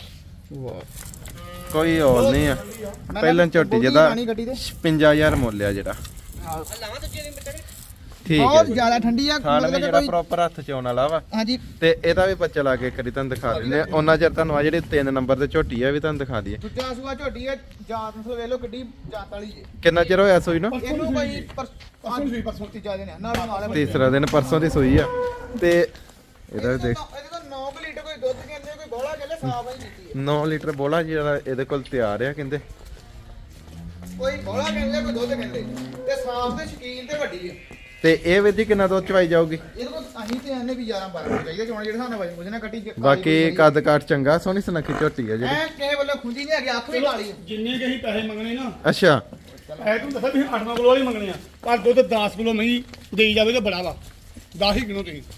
S1: ਕੋਈ ਹੋਰ ਨਹੀਂ ਆ ਪਹਿਲਾਂ ਝੋਟੀ ਜਿਹਦਾ
S3: ਪਾਣੀ ਗੱਡੀ ਦੇ
S1: 55000 ਮੁੱਲ ਆ ਜਿਹੜਾ ਠੀਕ ਹੈ
S3: ਬਹੁਤ
S1: ਜੀ।
S3: ਜ਼ਿਆਦਾ ਠੰਡੀ ਆ
S1: ਖਾਣ ਵੀ
S3: ਮਤਲਬ ਕਿ
S1: ਜਿਹੜਾ
S3: ਕੋਈ
S1: ਪ੍ਰੋਪਰ ਹੱਥ ਚ ਆਉਣ ਵਾਲਾ ਵਾ
S3: ਹਾਂਜੀ
S1: ਤੇ ਇਹਦਾ ਵੀ ਬੱਚਾ ਲਾ ਕੇ ਕਰੀ ਤੁਹਾਨੂੰ ਦਿਖਾ ਦਿੰਦੇ ਆ ਉਹਨਾਂ ਚਿਰ ਤੁਹਾਨੂੰ ਆ ਜਿਹੜੀ 3 ਨੰਬਰ ਤੇ ਝੋਟੀ ਆ ਵੀ ਤੁਹਾਨੂੰ ਦਿਖਾ ਦਈਏ
S3: ਦੂਜਾ ਸੂਆ ਝੋਟੀ ਆ ਜਾਤ ਨੂੰ ਵੇਖ ਲਓ ਕਿੱਡੀ ਜਾਤ ਵਾਲੀ ਜੇ
S1: ਕਿੰਨਾ ਚਿਰ ਹੋਇਆ ਸੂਈ ਨੂੰ
S3: ਇਹਨੂੰ ਕੋਈ
S2: ਪਰਸੋਂ
S3: ਤੀਜਾ ਦਿਨ ਆ ਨਾਲ ਨਾਲ
S1: ਤੀਸਰਾ ਦਿਨ ਪਰਸੋਂ ਦੀ ਸੂਈ ਆ ਤੇ ਇਹਦਾ ਵੀ ਦੇਖ
S3: ਇਹਦੇ ਤੋਂ 9 ਲੀਟਰ ਕੋਈ ਦੁੱਧ ਕਹਿੰਦੇ ਕੋਈ ਬੋਲਾ ਕਹਿੰਦੇ ਸਾਫ ਹੀ ਕੀਤੀ
S1: 9 ਲੀਟਰ ਬੋਲਾ ਜਿਹੜਾ ਇਹਦੇ ਕੋਲ ਤਿਆਰ ਆ ਕਹਿੰਦੇ
S3: ਕੋਈ ਬੋਲਾ ਕਹਿੰਦੇ ਕੋਈ ਦੁੱਧ ਕਹਿੰਦੇ ਤੇ ਸਾਫ ਤੇ ਸ਼ਕੀਨ ਤੇ ਵੱਡੀ ਆ
S1: ਤੇ ਇਹ ਵਿਧੀ ਕਿੰਨਾ ਦੁੱਧ ਚਵਾਈ ਜਾਊਗੀ
S3: ਇਹਦੇ ਕੋਲ ਅਸੀਂ ਤੇ ਆਨੇ ਵੀ 11 12 ਚਾਹੀਦਾ ਚੋਣ ਜਿਹੜੇ ਸਾਨੂੰ ਵਜਨ ਮੁਝੇ ਨਾ ਕੱਟੀ
S1: ਬਾਕੀ ਕੱਦ ਕਾਠ ਚੰਗਾ ਸੋਹਣੀ ਸੁਨੱਖੀ ਝੋਟੀ ਆ ਜਿਹੜੀ
S3: ਐ ਕਿਸੇ ਵੱਲੋਂ ਖੁੰਜੀ ਨਹੀਂ ਹੈਗੀ ਅੱਖ ਵੀ ਕਾਲੀ ਆ
S2: ਜਿੰਨੇ ਕਿ ਅਸੀਂ ਪੈਸੇ ਮੰਗਣੇ ਨਾ
S1: ਅੱਛਾ
S2: ਐ ਤੂੰ ਦੱਸਿਆ ਵੀ 8-9 ਕਿਲੋ ਵਾਲੀ ਮੰਗਣੇ ਆ ਪਰ ਦੁੱਧ 10 ਕਿਲੋ ਨਹੀਂ ਦੇਈ ਜਾਵੇ ਤਾਂ ਬੜਾ ਵਾ 10 ਹੀ ਕਿਲੋ ਤੁਸੀਂ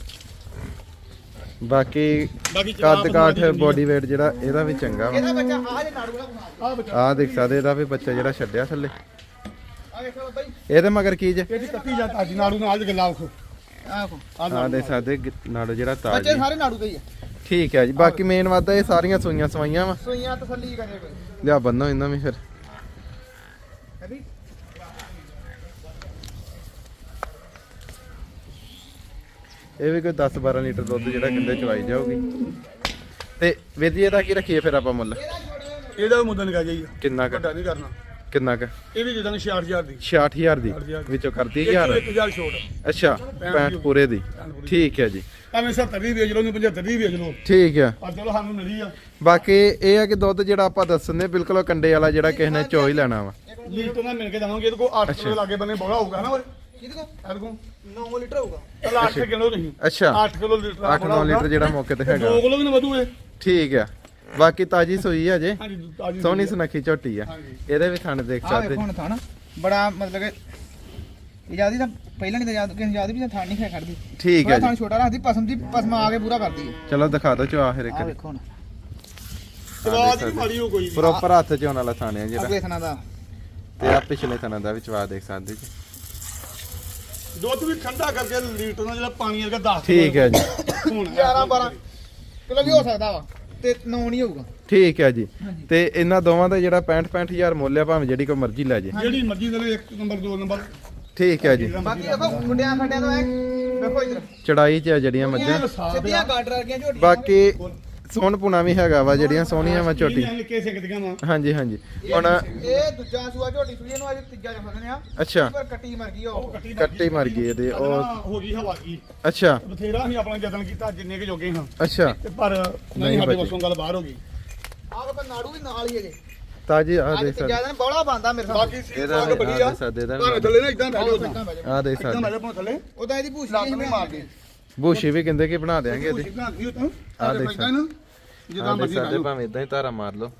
S1: ਬਾਕੀ
S2: ਬਾਕੀ
S1: ਕੱਦ ਕਾਠ ਬੋਡੀ weight ਜਿਹੜਾ ਇਹਦਾ ਵੀ ਚੰਗਾ ਵਾ
S3: ਇਹਦਾ ਬੱਚਾ ਆ ਜੇ ਨਾੜੂ ਵਾਲਾ
S2: ਆ ਬੱਚਾ
S1: ਆਹ ਦੇਖ ਸਕਦੇ ਇਹਦਾ ਵੀ ਬੱਚਾ ਜਿਹੜਾ ਛੱਡਿਆ ਥੱਲੇ
S3: ਆ ਵੇਖੋ ਬਾਬਾ ਜੀ
S1: ਇਹਦੇ ਮਗਰ ਕੀ ਜੇ
S2: ਇਹਦੀ ਕੱਟੀ ਜਾ ਤਾਜੀ ਨਾੜੂ ਨਾਲ ਗੱਲਾਂ ਆਖੋ
S3: ਆ ਵੇਖੋ
S1: ਆਹ ਦੇਖ ਸਕਦੇ ਨਾੜੋ ਜਿਹੜਾ ਤਾਜ
S3: ਬੱਚੇ ਸਾਰੇ ਨਾੜੂ ਦੇ ਹੀ ਆ
S1: ਠੀਕ ਹੈ ਜੀ ਬਾਕੀ ਮੇਨ ਵਾਦਾ ਇਹ ਸਾਰੀਆਂ ਸੂਈਆਂ ਸਵਾਈਆਂ ਵਾ
S3: ਸੂਈਆਂ ਤਸੱਲੀ ਕਰੇ ਕੋਈ
S1: ਲਿਆ ਬੰਨੋ ਇਹਨਾਂ ਵੀ ਫਿਰ
S3: ਹੈ ਵੀ
S1: ਇਹ ਵੀ ਕੋਈ 10-12 ਲੀਟਰ ਦੁੱਧ ਜਿਹੜਾ ਕਿੰਦੇ ਚਵਾਈ ਜਾਊਗੀ ਤੇ ਵਿਧੀ ਇਹਦਾ ਕੀ ਰੱਖੀਏ ਫਿਰ ਆਪਾਂ ਮੁੱਲ
S2: ਇਹਦਾ ਵੀ ਮੁੱਦਾ ਨਿਕਾ ਜਾਈਏ
S1: ਕਿੰਨਾ ਕੁ
S2: ਵੱਡਾ ਨਹੀਂ ਕਰਨਾ
S1: ਕਿੰਨਾ ਕੁ
S2: ਇਹ ਵੀ ਦੇ ਦਾਂਗੇ 66000 ਦੀ
S1: 66000 ਦੀ
S2: 60,000
S1: ਵਿੱਚੋਂ ਕਰਦੀ
S2: ਇਹ
S1: 1000
S2: 1000 ਛੋੜ
S1: ਅੱਛਾ 65 ਪੂਰੇ ਦੀ ਠੀਕ ਹੈ ਜੀ
S2: ਭਾਵੇਂ 70 ਦੀ ਵੇਚ ਲਓ ਨਹੀਂ 75 ਦੀ ਵੇਚ ਲਓ
S1: ਠੀਕ ਹੈ
S2: ਪਰ ਚਲੋ ਸਾਨੂੰ ਮਿਲੀ ਆ
S1: ਬਾਕੀ ਇਹ ਹੈ ਕਿ ਦੁੱਧ ਜਿਹੜਾ ਆਪਾਂ ਦੱਸਣੇ ਬਿਲਕੁਲ ਉਹ ਕੰਡੇ ਵਾਲਾ ਜਿਹੜਾ ਕਿਸੇ ਨੇ ਚੋ ਹੀ ਲੈਣਾ ਵਾ
S2: ਲੀਟਰ ਨਾਲ ਮਿਲ ਕੇ ਦਵਾਂਗੇ ਇਹਦੇ ਕੋਲ 8 ਕਿਲੋ ਲਾਗੇ ਬੰਨੇ ਬੋਲਾ ਹੋਊਗਾ ਨਾ ਓਏ
S3: ਕਿਹਦੇ ਕੋ
S2: ਇਹਦੇ ਕੋਲ
S3: 9 ਲੀਟਰ ਹੋਊਗਾ
S2: ਚਲ 8 ਕਿਲੋ ਨਹੀਂ
S1: ਅੱਛਾ
S2: 8 ਕਿਲੋ ਲੀਟਰ
S1: 8-9 ਲੀਟਰ ਜਿਹੜਾ ਮੌਕੇ ਤੇ ਹੈਗਾ
S2: 2 ਕਿਲੋ ਵੀ ਨਾ ਵਧੂ ਇਹ
S1: ਠੀਕ ਹੈ ਬਾਕੀ ਤਾਜੀ ਸੂਈ ਹੈ ਜੇ
S2: ਹਾਂਜੀ ਤਾਜੀ
S1: ਸੋਹਣੀ ਸੁਨੱਖੀ ਝੋਟੀ ਆ
S2: ਹਾਂਜੀ।
S1: ਇਹਦੇ ਵੀ ਥਣ ਦੇਖ
S3: ਆ
S1: ਸਕਦੇ
S3: ਵੇਖੋ ਹੁਣ ਥਾਣਾ ਬੜਾ ਮਤਲਬ ਕਿ ਇਜਾਦੀ ਤਾਂ ਪਹਿਲਾਂ ਨਹੀਂ ਤਾਂ ਯਾਦ ਕਿਸੇ ਯਾਦ ਵੀ ਥਾਣ ਨਹੀਂ ਖਾ ਖੜਦੀ
S1: ਠੀਕ ਹੈ
S3: ਥਾਣ
S1: ਜੀ
S3: ਛੋਟਾ ਰੱਖਦੀ ਪਸਮ ਆ ਕੇ ਪੂਰਾ ਕਰਦੀ ਹੈ
S1: ਚਲੋ ਦਿਖਾ ਦਿਓ ਚਵਾ ਫਿਰ ਇੱਕ
S3: ਆ ਵੇਖੋ ਹੁਣ
S2: ਸਵਾਦ ਹੀ ਮਾੜੀ ਹੋ ਕੋਈ
S1: ਪ੍ਰੋਪਰ ਹੱਥ ਚ ਆਉਣ ਵਾਲਾ ਥਣ ਹੈ ਜਿਹੜਾ
S3: ਅਗਲੇ ਥਾਣਾ ਦਾ
S1: ਤੇ ਆ ਪਿਛਲੇ ਥਣਾਂ ਦਾ ਵੀ ਚਵਾ ਦੇਖ ਸਕਦੇ ਜੀ
S2: ਦੁੱਧ ਵੀ ਠੰਡਾ ਕਰਕੇ ਲੀਟਰ ਨਾਲ ਜਿਹੜਾ ਪਾਣੀ ਵਰਗਾ 10
S1: ਠੀਕ ਹੈ ਜੀ
S2: ਹੁਣ
S3: 11 12 ਕਿਲੋ ਵੀ ਹੋ ਸਕਦਾ ਵਾ ਤੇ 9 ਨਹੀਂ ਹੋਊਗਾ
S1: ਠੀਕ ਹੈ ਜੀ ਤੇ ਇਹਨਾਂ ਦੋਵਾਂ ਦਾ ਜਿਹੜਾ 65,000 ਮੁੱਲ ਆ ਭਾਵੇਂ ਜਿਹੜੀ ਕੋਈ ਮਰਜ਼ੀ ਲੈ ਜੇ
S2: ਜਿਹੜੀ ਮਰਜ਼ੀ ਦੇ 1 ਨੰਬਰ 2 ਨੰਬਰ
S1: ਠੀਕ ਹੈ ਜੀ
S3: ਬਾਕੀ ਦੇਖੋ ਮੁੰਡਿਆਂ ਖੱਡਿਆਂ ਤੋਂ ਐ ਵੇਖੋ ਇਧਰ
S1: ਚੜਾਈ 'ਚ ਆ ਜਿਹੜੀਆਂ ਮੱਝਾਂ
S3: ਸਿੱਧੀਆਂ ਗਾਡਰ ਵਰਗੀਆਂ ਝੋਟੀਆਂ
S1: ਬਾਕੀ ਸੋਹਣ ਪੁਣਾ ਵੀ ਹੈਗਾ ਵਾ ਜਿਹੜੀਆਂ ਸੋਹਣੀਆਂ ਵਾ ਝੋਟੀ
S2: ਲਿਕੇ ਸਿੱਕਦੀਆਂ ਵਾ
S1: ਹਾਂਜੀ ਹਾਂਜੀ ਹੁਣ
S3: ਇਹ ਦੂਜਾ ਸੂਆ ਝੋਟੀ ਸੂਈ ਨੂੰ ਅੱਜ ਤੀਜਾ ਜਫਨ ਆ
S1: ਅੱਛਾ
S3: ਪਰ ਕੱਟੀ ਮਰ ਗਈ ਉਹ
S1: ਕੱਟੀ ਮਰ ਗਈ ਇਹਦੇ ਉਹ
S2: ਹੋ ਗਈ ਹਵਾ ਕੀ
S1: ਅੱਛਾ
S2: ਬਥੇਰਾ ਅਸੀਂ ਆਪਣਾ ਯਤਨ ਕੀਤਾ ਜਿੰਨੇ ਕਿ ਜੋਗੇ ਹਾਂ
S1: ਅੱਛਾ
S2: ਤੇ ਪਰ ਨਹੀਂ ਸਾਡੇ ਵੱਸੋਂ ਗੱਲ ਬਾਹਰ ਹੋ ਗਈ
S3: ਆਹ ਵੇਖੋ ਨਾੜੂ ਵੀ ਨਾਲ ਹੀ ਹੈਗੇ
S1: ਤਾਜੀ ਆ
S3: ਅੱਜ
S1: ਦੇਖ ਸਕਦੇ
S3: ਤੀਜਾ ਦਿਨ ਬੌਲਾ ਬੰਦਾ ਮੇਰੇ ਸਾਹਮਣੇ
S2: ਬਾਕੀ ਸੀ
S1: ਇਹਦਾ
S2: ਸਾਗ ਬੜੀ ਆ
S1: ਦੇਖ ਸਕਦੇ ਇਹਦਾ
S2: ਭਾਵੇਂ ਥੱਲੇ ਨਾ ਇਦਾਂ ਬੈਠੋ
S3: ਇਦਾਂ ਬਹਿ ਜਾਓ।
S1: ਆ ਦੇਖ
S2: ਇਦਾਂ
S1: ਸਕਦੇ
S2: ਬੈਠੋ ਭਾਵੇਂ ਥੱਲੇ
S3: ਉਦਾਂ ਇਹਦੀ ਭੂਸੀ
S2: ਲੱਤ
S3: ਨਹੀਂ
S2: ਨਹੀਂ ਮਾਰਦੇ
S1: ਬੂਸ਼ੀ ਵੀ ਕਹਿੰਦੇ ਕਿ ਬਣਾ ਦੇਾਂਗੇ ਇਹਦੀ
S2: ਭੂਸੀ ਬਣਾ ਦਿਓ ਤਾਂ
S1: ਆਹ ਦੇਖ
S2: ਇਦਾਂ ਨਾ
S1: ਆ
S2: ਜਿੱਦਾਂ
S1: ਦੇਖ
S2: ਮਰਜ਼ੀ
S1: ਸਕਦੇ
S2: ਕਰ
S1: ਭਾਵੇਂ ਇਦਾਂ ਹੀ ਧਾਰਾ ਮਾਰ ਲਓ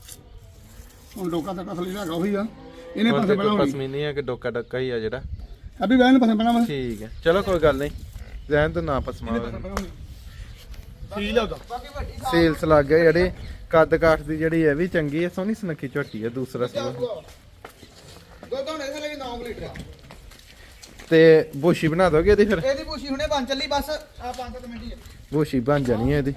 S2: ਹੁਣ ਲੋਕਾਂ ਤੱਕ ਅਸਲੀ ਹੈਗਾ ਉਹੀ ਆ ਇਹਨੇ
S1: ਹੁਣ
S2: ਪਾਸੇ
S1: ਤੇ
S2: ਪਹਿਲਾਂ
S1: ਕੋਈ
S2: ਹੋਣੀ
S1: ਪਸਮੀਨੀ ਆ ਕਿ ਡੋਕਾ ਡੱਕਾ ਹੀ ਆ ਜਿਹੜਾ
S2: ਅਭੀ ਵੈਨ ਪਸੰਦ ਪੈਣਾ ਮੈਂ
S1: ਠੀਕ ਹੈ ਚਲੋ ਕੋਈ ਗੱਲ ਨਹੀਂ ਰਹਿਣ ਤੋਂ ਨਾ ਪਸਮਾ
S2: ਠੀਕ ਆ
S3: ਬਾਕੀ ਵੱਡੀ ਸਾਫ
S1: ਸੇਲਸ ਲੱਗ ਗਏ ਜਿਹੜੇ ਕੱਦ ਕਾਠ ਦੀ ਜਿਹੜੀ ਇਹ ਵੀ ਚੰਗੀ ਹੈ ਸੋਹਣੀ ਸੁਨੱਖੀ ਝੋਟੀ ਹੈ ਦੂਸਰਾ ਸੂਆ
S3: ਦੁੱਧ ਹੁਣ ਇਹਦੇ ਲਈ 9 ਲੀਟਰ ਆ।
S1: ਤੇ ਬੋਸ਼ੀ ਬਣਾ ਦੋਗੇ ਇਹਦੀ ਫਿਰ
S3: ਇਹਦੀ ਪੂਛੀ ਹੁਣੇ ਬਣ ਚੱਲੀ ਬਸ ਆ 5-7 ਮਿੰਟ ਹੀ ਆ।
S1: ਬੋਸ਼ੀ ਬਣ ਜਾਣੀ ਹੈ ਇਹਦੀ